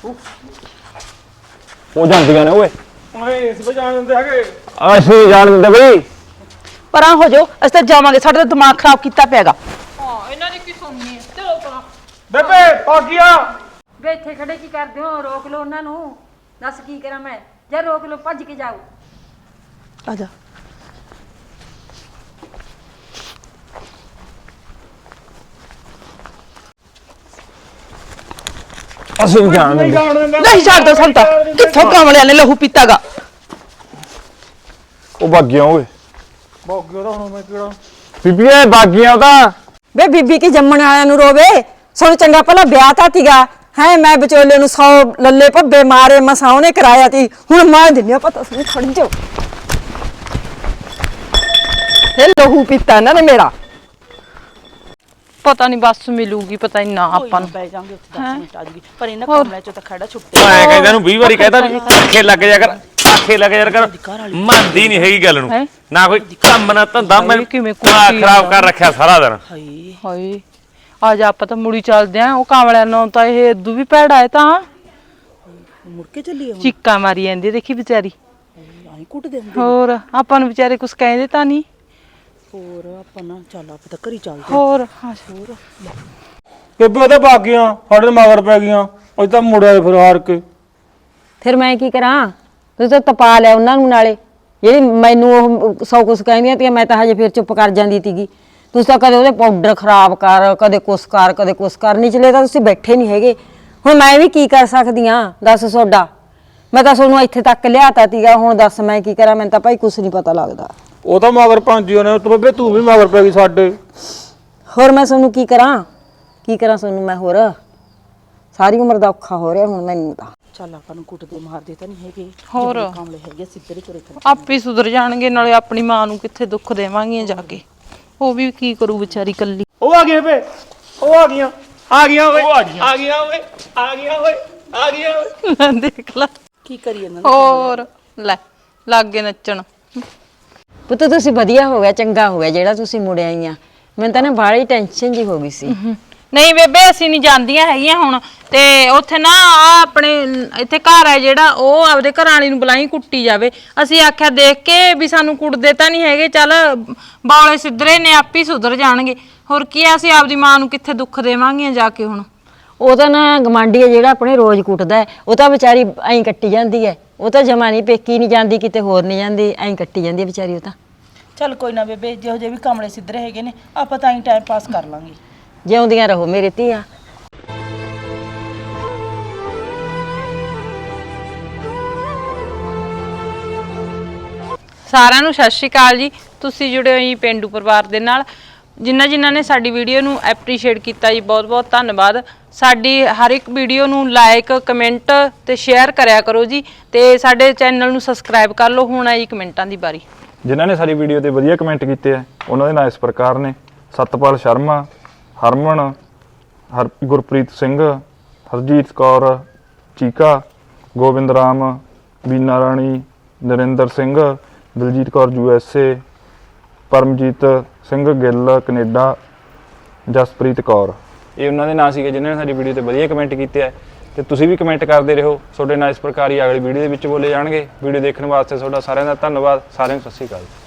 Speaker 8: ਉਹ ਜਾਂਦੀਆਂ ਨੇ ਓਏ।
Speaker 2: ਓਏ ਇਸ ਵਜਾਣ ਦਿੰਦੇ ਹੈਗੇ।
Speaker 8: ਅਸੀਂ ਜਾਣ ਦਿੰਦੇ ਬਈ।
Speaker 9: ਪਰਾਂ ਹੋ ਜਾਓ, ਅਸੀਂ ਤਾਂ ਜਾਵਾਂਗੇ। ਸਾਡਾ ਤਾਂ ਦਿਮਾਗ ਖਰਾਬ ਕੀਤਾ ਪਿਆਗਾ।
Speaker 3: ਹਾਂ ਇਹਨਾਂ ਦੀ ਕੀ ਸੁਣਨੀ ਹੈ। ਚਲੋ ਪਰਾਂ।
Speaker 2: ਬੇਬੇ ਭਾਗੀਆ
Speaker 6: ਵੇ ਇੱਥੇ ਖੜੇ ਕੀ ਕਰਦੇ ਹੋ? ਰੋਕ ਲਓ ਉਹਨਾਂ ਨੂੰ। ਦੱਸ ਕੀ ਕਰਾਂ ਮੈਂ? ਜੇ ਰੋਕ ਲਓ ਭੱਜ ਕੇ ਜਾਓ।
Speaker 9: ਆ ਜਾ।
Speaker 8: ਅਸੀਂ ਨਹੀਂ ਜਾਣ ਦਿੰਦੇ।
Speaker 9: ਨਹੀਂ ਛੱਡਦਾ ਸੰਤਾ, ਕਿੱਥੋਂ ਕਮਲਿਆਂ ਨੇ ਲਹੂ ਪੀਤਾਗਾ।
Speaker 8: ਉਹ ਬਾਗੀਆਂ ਓਏ।
Speaker 2: ਭਾਗੀਆ ਦਾ ਹੁਣ ਮੈਂ ਕਿਹੜਾ
Speaker 8: ਬੀਬੀਏ ਬਾਗੀਆਂ ਤਾਂ।
Speaker 6: ਵੇ ਬੀਬੀ ਕੀ ਜੰਮਣ ਵਾਲਿਆਂ ਨੂੰ ਰੋਵੇ? ਸਾਨੂੰ ਚੰਗਾ ਭਲਾ ਵਿਆਹ ਤਾਂ ਤੀਗਾ ਹੈ। ਮੈਂ ਵਿਚੋਲੇ ਨੂੰ ਸੌ ਲੱਲੇ ਭੱਬੇ ਮਾਰੇ ਮਸਾਂ ਉਹਨੇ ਕਰਾਇਆ ਤੀ। ਹੁਣ ਮੈਂ ਦਿੰਨੀ ਆ ਪਤਾ ਸੁਣ ਖੜ ਜਾਓ। ਇਹ ਲਹੂ ਪੀਤਾ ਇਹਨਾਂ ਨੇ ਮੇਰਾ।
Speaker 3: ਪਤਾ ਨਹੀਂ ਬੱਸ ਮਿਲੂਗੀ, ਪਤਾ ਨਹੀਂ ਨਾ ਆਪਾਂ ਨੂੰ।
Speaker 9: ਬੈ ਜਾਾਂਗੇ ਉੱਥੇ ਦਸ ਮਿੰਟ ਆ ਜੂਗੀ। ਪਰ ਇਹਨਾਂ ਕਮਲਿਆਂ ਚੋਂ ਤਾਂ ਖੜਾ ਛੁੱਟੇ।
Speaker 1: ਮੈਂ ਕਹਿੰਦਾ ਇਹਨੂੰ ਵੀਹ ਵਾਰੀ ਕਹਿਤਾ ਵੀ ਆਖੇ ਲੱਗ ਜਾ ਕਰ, ਆਖੇ ਲੱਗ ਜਾ ਕਰ। ਮੰਨਦੀ ਨਹੀਂ ਹੈਗੀ ਗੱਲ ਨੂੰ। ਨਾ ਕੋਈ ਕੰਮ ਨਾ ਧੰਦਾ। ਮੈਂ
Speaker 3: ਕਿਵੇਂ
Speaker 1: ਦਿਮਾਗ ਖਰਾਬ ਕਰ ਰੱਖਿਆ ਸਾਰਾ ਦਿਨ।
Speaker 9: ਹਾਏ
Speaker 3: ਹਾਏ ਆ ਜਾ ਆਪਾਂ ਤਾਂ ਮੁੜੀ ਚੱਲਦੇ ਆਂ। ਉਹ ਕਾਮਲਿਆਂ ਨੂੰ ਤਾਂ ਇਹ ਇਦੂ ਵੀ ਭੈੜਾ ਹੈ ਤਾਂ।
Speaker 9: ਮੁੜ ਕੇ ਚੱਲੀ ਹੁਣ।
Speaker 3: ਚੀਕਾਂ ਮਾਰੀ ਜਾਂਦੀ ਦੇਖੀ ਵਿਚਾਰੀ।
Speaker 9: ਆਈ ਕੁੱਟ ਦੇ ਹੁੰਦੇ।
Speaker 3: ਹੋਰ ਆਪਾਂ ਨੂੰ ਵਿਚਾਰੇ ਕੁਝ ਕਹਿੰਦੇ ਤਾਂ ਨਹੀਂ।
Speaker 9: ਹੋਰ ਆਪਾਂ ਨਾ ਚੱਲ ਆਪਾਂ ਤਾਂ ਘਰੀ ਚੱਲਦੇ।
Speaker 3: ਹੋਰ ਹਾਂ ਹੋਰ
Speaker 2: ਬੇਬੇ ਉਹਦੇ ਬਾਗੀਆਂ ਸਾਡੇ ਤੇ ਮਗਰ ਪੈ ਗਈਆਂ ਉਹ ਤਾਂ ਮੁੜਿਆ ਫਿਰ ਹਾਰ ਕੇ।
Speaker 6: ਫਿਰ ਮੈਂ ਕੀ ਕਰਾਂ? ਤੁਸੀਂ ਤਾਂ ਤਪਾ ਲਿਆ ਉਹਨਾਂ ਨੂੰ ਨਾਲੇ, ਜਿਹੜੀ ਮੈਨੂੰ ਉਹ ਸੌ ਕੁਛ ਕਹਿੰਦੀਆਂ ਤੀਆਂ ਮੈਂ ਤਾਂ ਹਜੇ ਫਿਰ ਚੁੱਪ ਕਰ ਜਾਂਦੀ ਤੀਗੀ। ਤੁਸੀਂ ਤਾਂ ਕਦੇ ਉਹਦੇ ਪਾਊਡਰ ਖਰਾਬ ਕਰ, ਕਦੇ ਕੁਛ ਕਰ, ਕਦੇ ਕੁਛ ਕਰ, ਨਿਚਲੇ ਤਾਂ ਤੁਸੀਂ ਬੈਠੇ ਨਹੀਂ ਹੈਗੇ। ਹੁਣ ਮੈਂ ਵੀ ਕੀ ਕਰ ਸਕਦੀ ਹਾਂ ਦੱਸ ਤੁਹਾਡਾ? ਮੈਂ ਤਾਂ ਤੁਹਾਨੂੰ ਇੱਥੇ ਤੱਕ ਲਿਆਤਾ ਤੀਗਾ, ਹੁਣ ਦੱਸ ਮੈਂ ਕੀ ਕਰਾਂ? ਮੈਨੂੰ ਤਾਂ ਭਾਈ ਕੁਛ ਨਹੀਂ ਪਤਾ ਲੱਗਦਾ।
Speaker 2: ਉਹ ਤਾਂ ਮਗਰ ਭਾਂਜੀ ਨੇ ਤੂੰ ਬੇਬੇ ਤੂੰ ਵੀ ਮਗਰ ਪੈ ਗਈ ਸਾਡੇ।
Speaker 6: ਹੋਰ ਮੈਂ ਤੁਹਾਨੂੰ ਕੀ ਕਰਾਂ? ਕੀ ਕਰਾਂ ਤੁਹਾਨੂੰ ਮੈਂ ਹੋਰ? ਸਾਰੀ ਉਮਰ ਦਾ ਔਖਾ ਹੋ ਰਿਹਾ ਹੁਣ ਮੈਨੂੰ ਤਾਂ।
Speaker 9: ਚੱਲ ਆਪਾਂ ਨੂੰ ਕੁੱਟਦੇ ਮਾਰਦੇ ਤਾਂ ਨਹੀਂ ਹੈਗੇ,
Speaker 3: ਹੋਰ
Speaker 9: ਕਾਮਲੇ ਹੈਗੇ ਸਿੱਧਰੇ ਚੁਰੇ ਕਰ।
Speaker 3: ਆਪੇ ਸੁਧਰ ਜਾਣਗੇ, ਨਾਲੇ ਆਪਣੀ ਮਾਂ ਨੂੰ ਕਿੱਥੇ ਦੁੱਖ ਦੇਵਾਂਗੀਆਂ ਜਾ ਕੇ। ਉਹ ਵੀ ਕੀ ਕਰੂ ਵਿਚਾਰੀ ਕੱਲੀ।
Speaker 2: ਉਹ ਆ ਗਏ ਬੇ, ਉਹ ਆ ਗਈਆਂ ਆ ਗਈਆਂ ਓਏ ਆ ਗਈਆਂ ਓਏ ਆ ਗਈਆਂ ਓਏ ਆ ਗਈਆਂ ਓਏ।
Speaker 3: ਦੇਖ ਲੈ
Speaker 9: ਕੀ ਕਰੀ ਇਹਨਾਂ
Speaker 3: ਹੋਰ ਲੈ ਲਾਗੇ ਨੱਚਣ।
Speaker 6: ਪੁੱਤ ਤੁਸੀਂ ਵਧੀਆ ਹੋ ਗਿਆ, ਚੰਗਾ ਹੋ ਗਿਆ ਜਿਹੜਾ ਤੁਸੀਂ ਮੁੜ ਆਈਆਂ। ਮੈਨੂੰ ਤਾਂ ਨਾ ਬਾਹਲੀ ਟੈਨਸ਼ਨ ਜੀ ਹੋ ਗਈ ਸੀ।
Speaker 3: ਨਹੀਂ ਬੇਬੇ ਅਸੀਂ ਨਹੀਂ ਜਾਂਦੀਆਂ ਹੈਗੀਆਂ ਹੁਣ। ਤੇ ਉੱਥੇ ਨਾ ਆ ਆਪਣੇ ਇੱਥੇ ਘਰ ਹੈ ਜਿਹੜਾ, ਉਹ ਆਪਦੇ ਘਰ ਵਾਲੀ ਨੂੰ ਬੁਲਾਈ ਕੁੱਟੀ ਜਾਵੇ। ਅਸੀਂ ਆਖਿਆ ਦੇਖ ਕੇ ਵੀ ਸਾਨੂੰ ਕੁੱਟਦੇ ਤਾਂ ਨਹੀਂ ਹੈਗੇ, ਚੱਲ ਬੌਲੇ ਸਿੱਧਰੇ ਨੇ ਆਪੇ ਸੁਧਰ ਜਾਣਗੇ। ਹੋਰ ਕੀ ਆ, ਅਸੀਂ ਆਪਦੀ ਮਾਂ ਨੂੰ ਕਿੱਥੇ ਦੁੱਖ ਦੇਵਾਂਗੀਆਂ ਜਾ ਕੇ ਹੁਣ।
Speaker 6: ਉਹ ਤਾਂ ਨਾ ਗਵਾਂਢੀ ਹੈ ਜਿਹੜਾ ਆਪਣੇ ਰੋਜ਼ ਕੁੱਟਦਾ ਹੈ, ਉਹ ਤਾਂ ਵਿਚਾਰੀ ਐਂ ਕੱਟੀ ਜਾਂਦੀ ਹੈ। ਉਹ ਤਾਂ ਜਮਾ ਨਹੀਂ ਪੇਕੀ ਨਹੀਂ ਜਾਂਦੀ, ਕਿਤੇ ਹੋਰ ਨਹੀਂ ਜਾਂਦੀ, ਐਂ ਕੱਟੀ ਜਾਂਦੀ ਹੈ ਵਿਚਾਰੀ ਉਹ ਤਾਂ।
Speaker 9: ਚੱਲ ਕੋਈ ਨਾ ਬੇਬੇ, ਜਿਹੋ ਜਿਹੇ ਵੀ ਕਾਮਲੇ ਸਿੱਧਰੇ ਹੈਗੇ ਨੇ ਆਪਾਂ ਤਾਂ ਹੀ ਟਾਈਮ ਪਾਸ ਕਰ ਲਾਂਗੇ।
Speaker 6: ਜਿਉਂਦੀਆਂ ਰਹੋ ਮੇਰੇ ਧੀਆਂ।
Speaker 3: ਸਾਰਿਆਂ ਨੂੰ ਸਤਿ ਸ਼੍ਰੀ ਅਕਾਲ ਜੀ। ਤੁਸੀਂ ਜੁੜੇ ਹੋ ਜੀ ਪੇਂਡੂ ਪਰਿਵਾਰ ਦੇ ਨਾਲ। ਜਿਨ੍ਹਾਂ ਜਿਨ੍ਹਾਂ ਨੇ ਸਾਡੀ ਵੀਡੀਓ ਨੂੰ ਐਪਰੀਸ਼ੀਏਟ ਕੀਤਾ ਜੀ, ਬਹੁਤ ਬਹੁਤ ਧੰਨਵਾਦ। ਸਾਡੀ ਹਰ ਇੱਕ ਵੀਡੀਓ ਨੂੰ ਲਾਈਕ, ਕਮੈਂਟ ਤੇ ਸ਼ੇਅਰ ਕਰਿਆ ਕਰੋ ਜੀ, ਤੇ ਸਾਡੇ ਚੈਨਲ ਨੂੰ ਸਬਸਕ੍ਰਾਈਬ ਕਰ ਲਓ। ਹੁਣ ਆਈ ਕਮੈਂਟਾਂ ਦੀ ਵਾਰੀ।
Speaker 10: ਜਿਨ੍ਹਾਂ ਨੇ ਸਾਡੀ ਵੀਡੀਓ ਤੇ ਵਧੀਆ ਕਮੈਂਟ ਕੀਤੇ ਆ ਉਹਨਾਂ ਦੇ ਨਾਂ ਇਸ ਪ੍ਰਕਾਰ ਨੇ: ਸਤਪਾਲ ਸ਼ਰਮਾ, ਹਰਮਨ, ਹਰ Gurpreet Singh, Harjeet Kaur, Cheeka, Gobind Ram, Beena Rani, Narinder Singh, Daljeet Kaur U S A, Paramjeet Singh Gill Canada, Jaspreet Kaur. ਇਹ ਉਹਨਾਂ ਦੇ ਨਾਂ ਸੀਗੇ ਜਿਨ੍ਹਾਂ ਨੇ ਸਾਡੀ ਵੀਡੀਓ ਤੇ ਵਧੀਆ ਕਮੈਂਟ ਕੀਤੇ ਆ। ਤੇ ਤੁਸੀਂ ਵੀ ਕਮੈਂਟ ਕਰਦੇ ਰਹੋ, ਤੁਹਾਡੇ ਨਾਲ ਇਸ ਪ੍ਰਕਾਰ ਹੀ ਅਗਲੀ ਵੀਡੀਓ ਦੇ ਵਿੱਚ ਬੋਲੇ ਜਾਣਗੇ। ਵੀਡੀਓ ਦੇਖਣ ਵਾਸਤੇ ਤੁਹਾਡਾ ਸਾਰਿਆਂ ਦਾ ਧੰਨਵਾਦ। ਸਾਰਿਆਂ ਨੂੰ ਸਤਿ ਸ਼੍ਰੀ ਅਕਾਲ।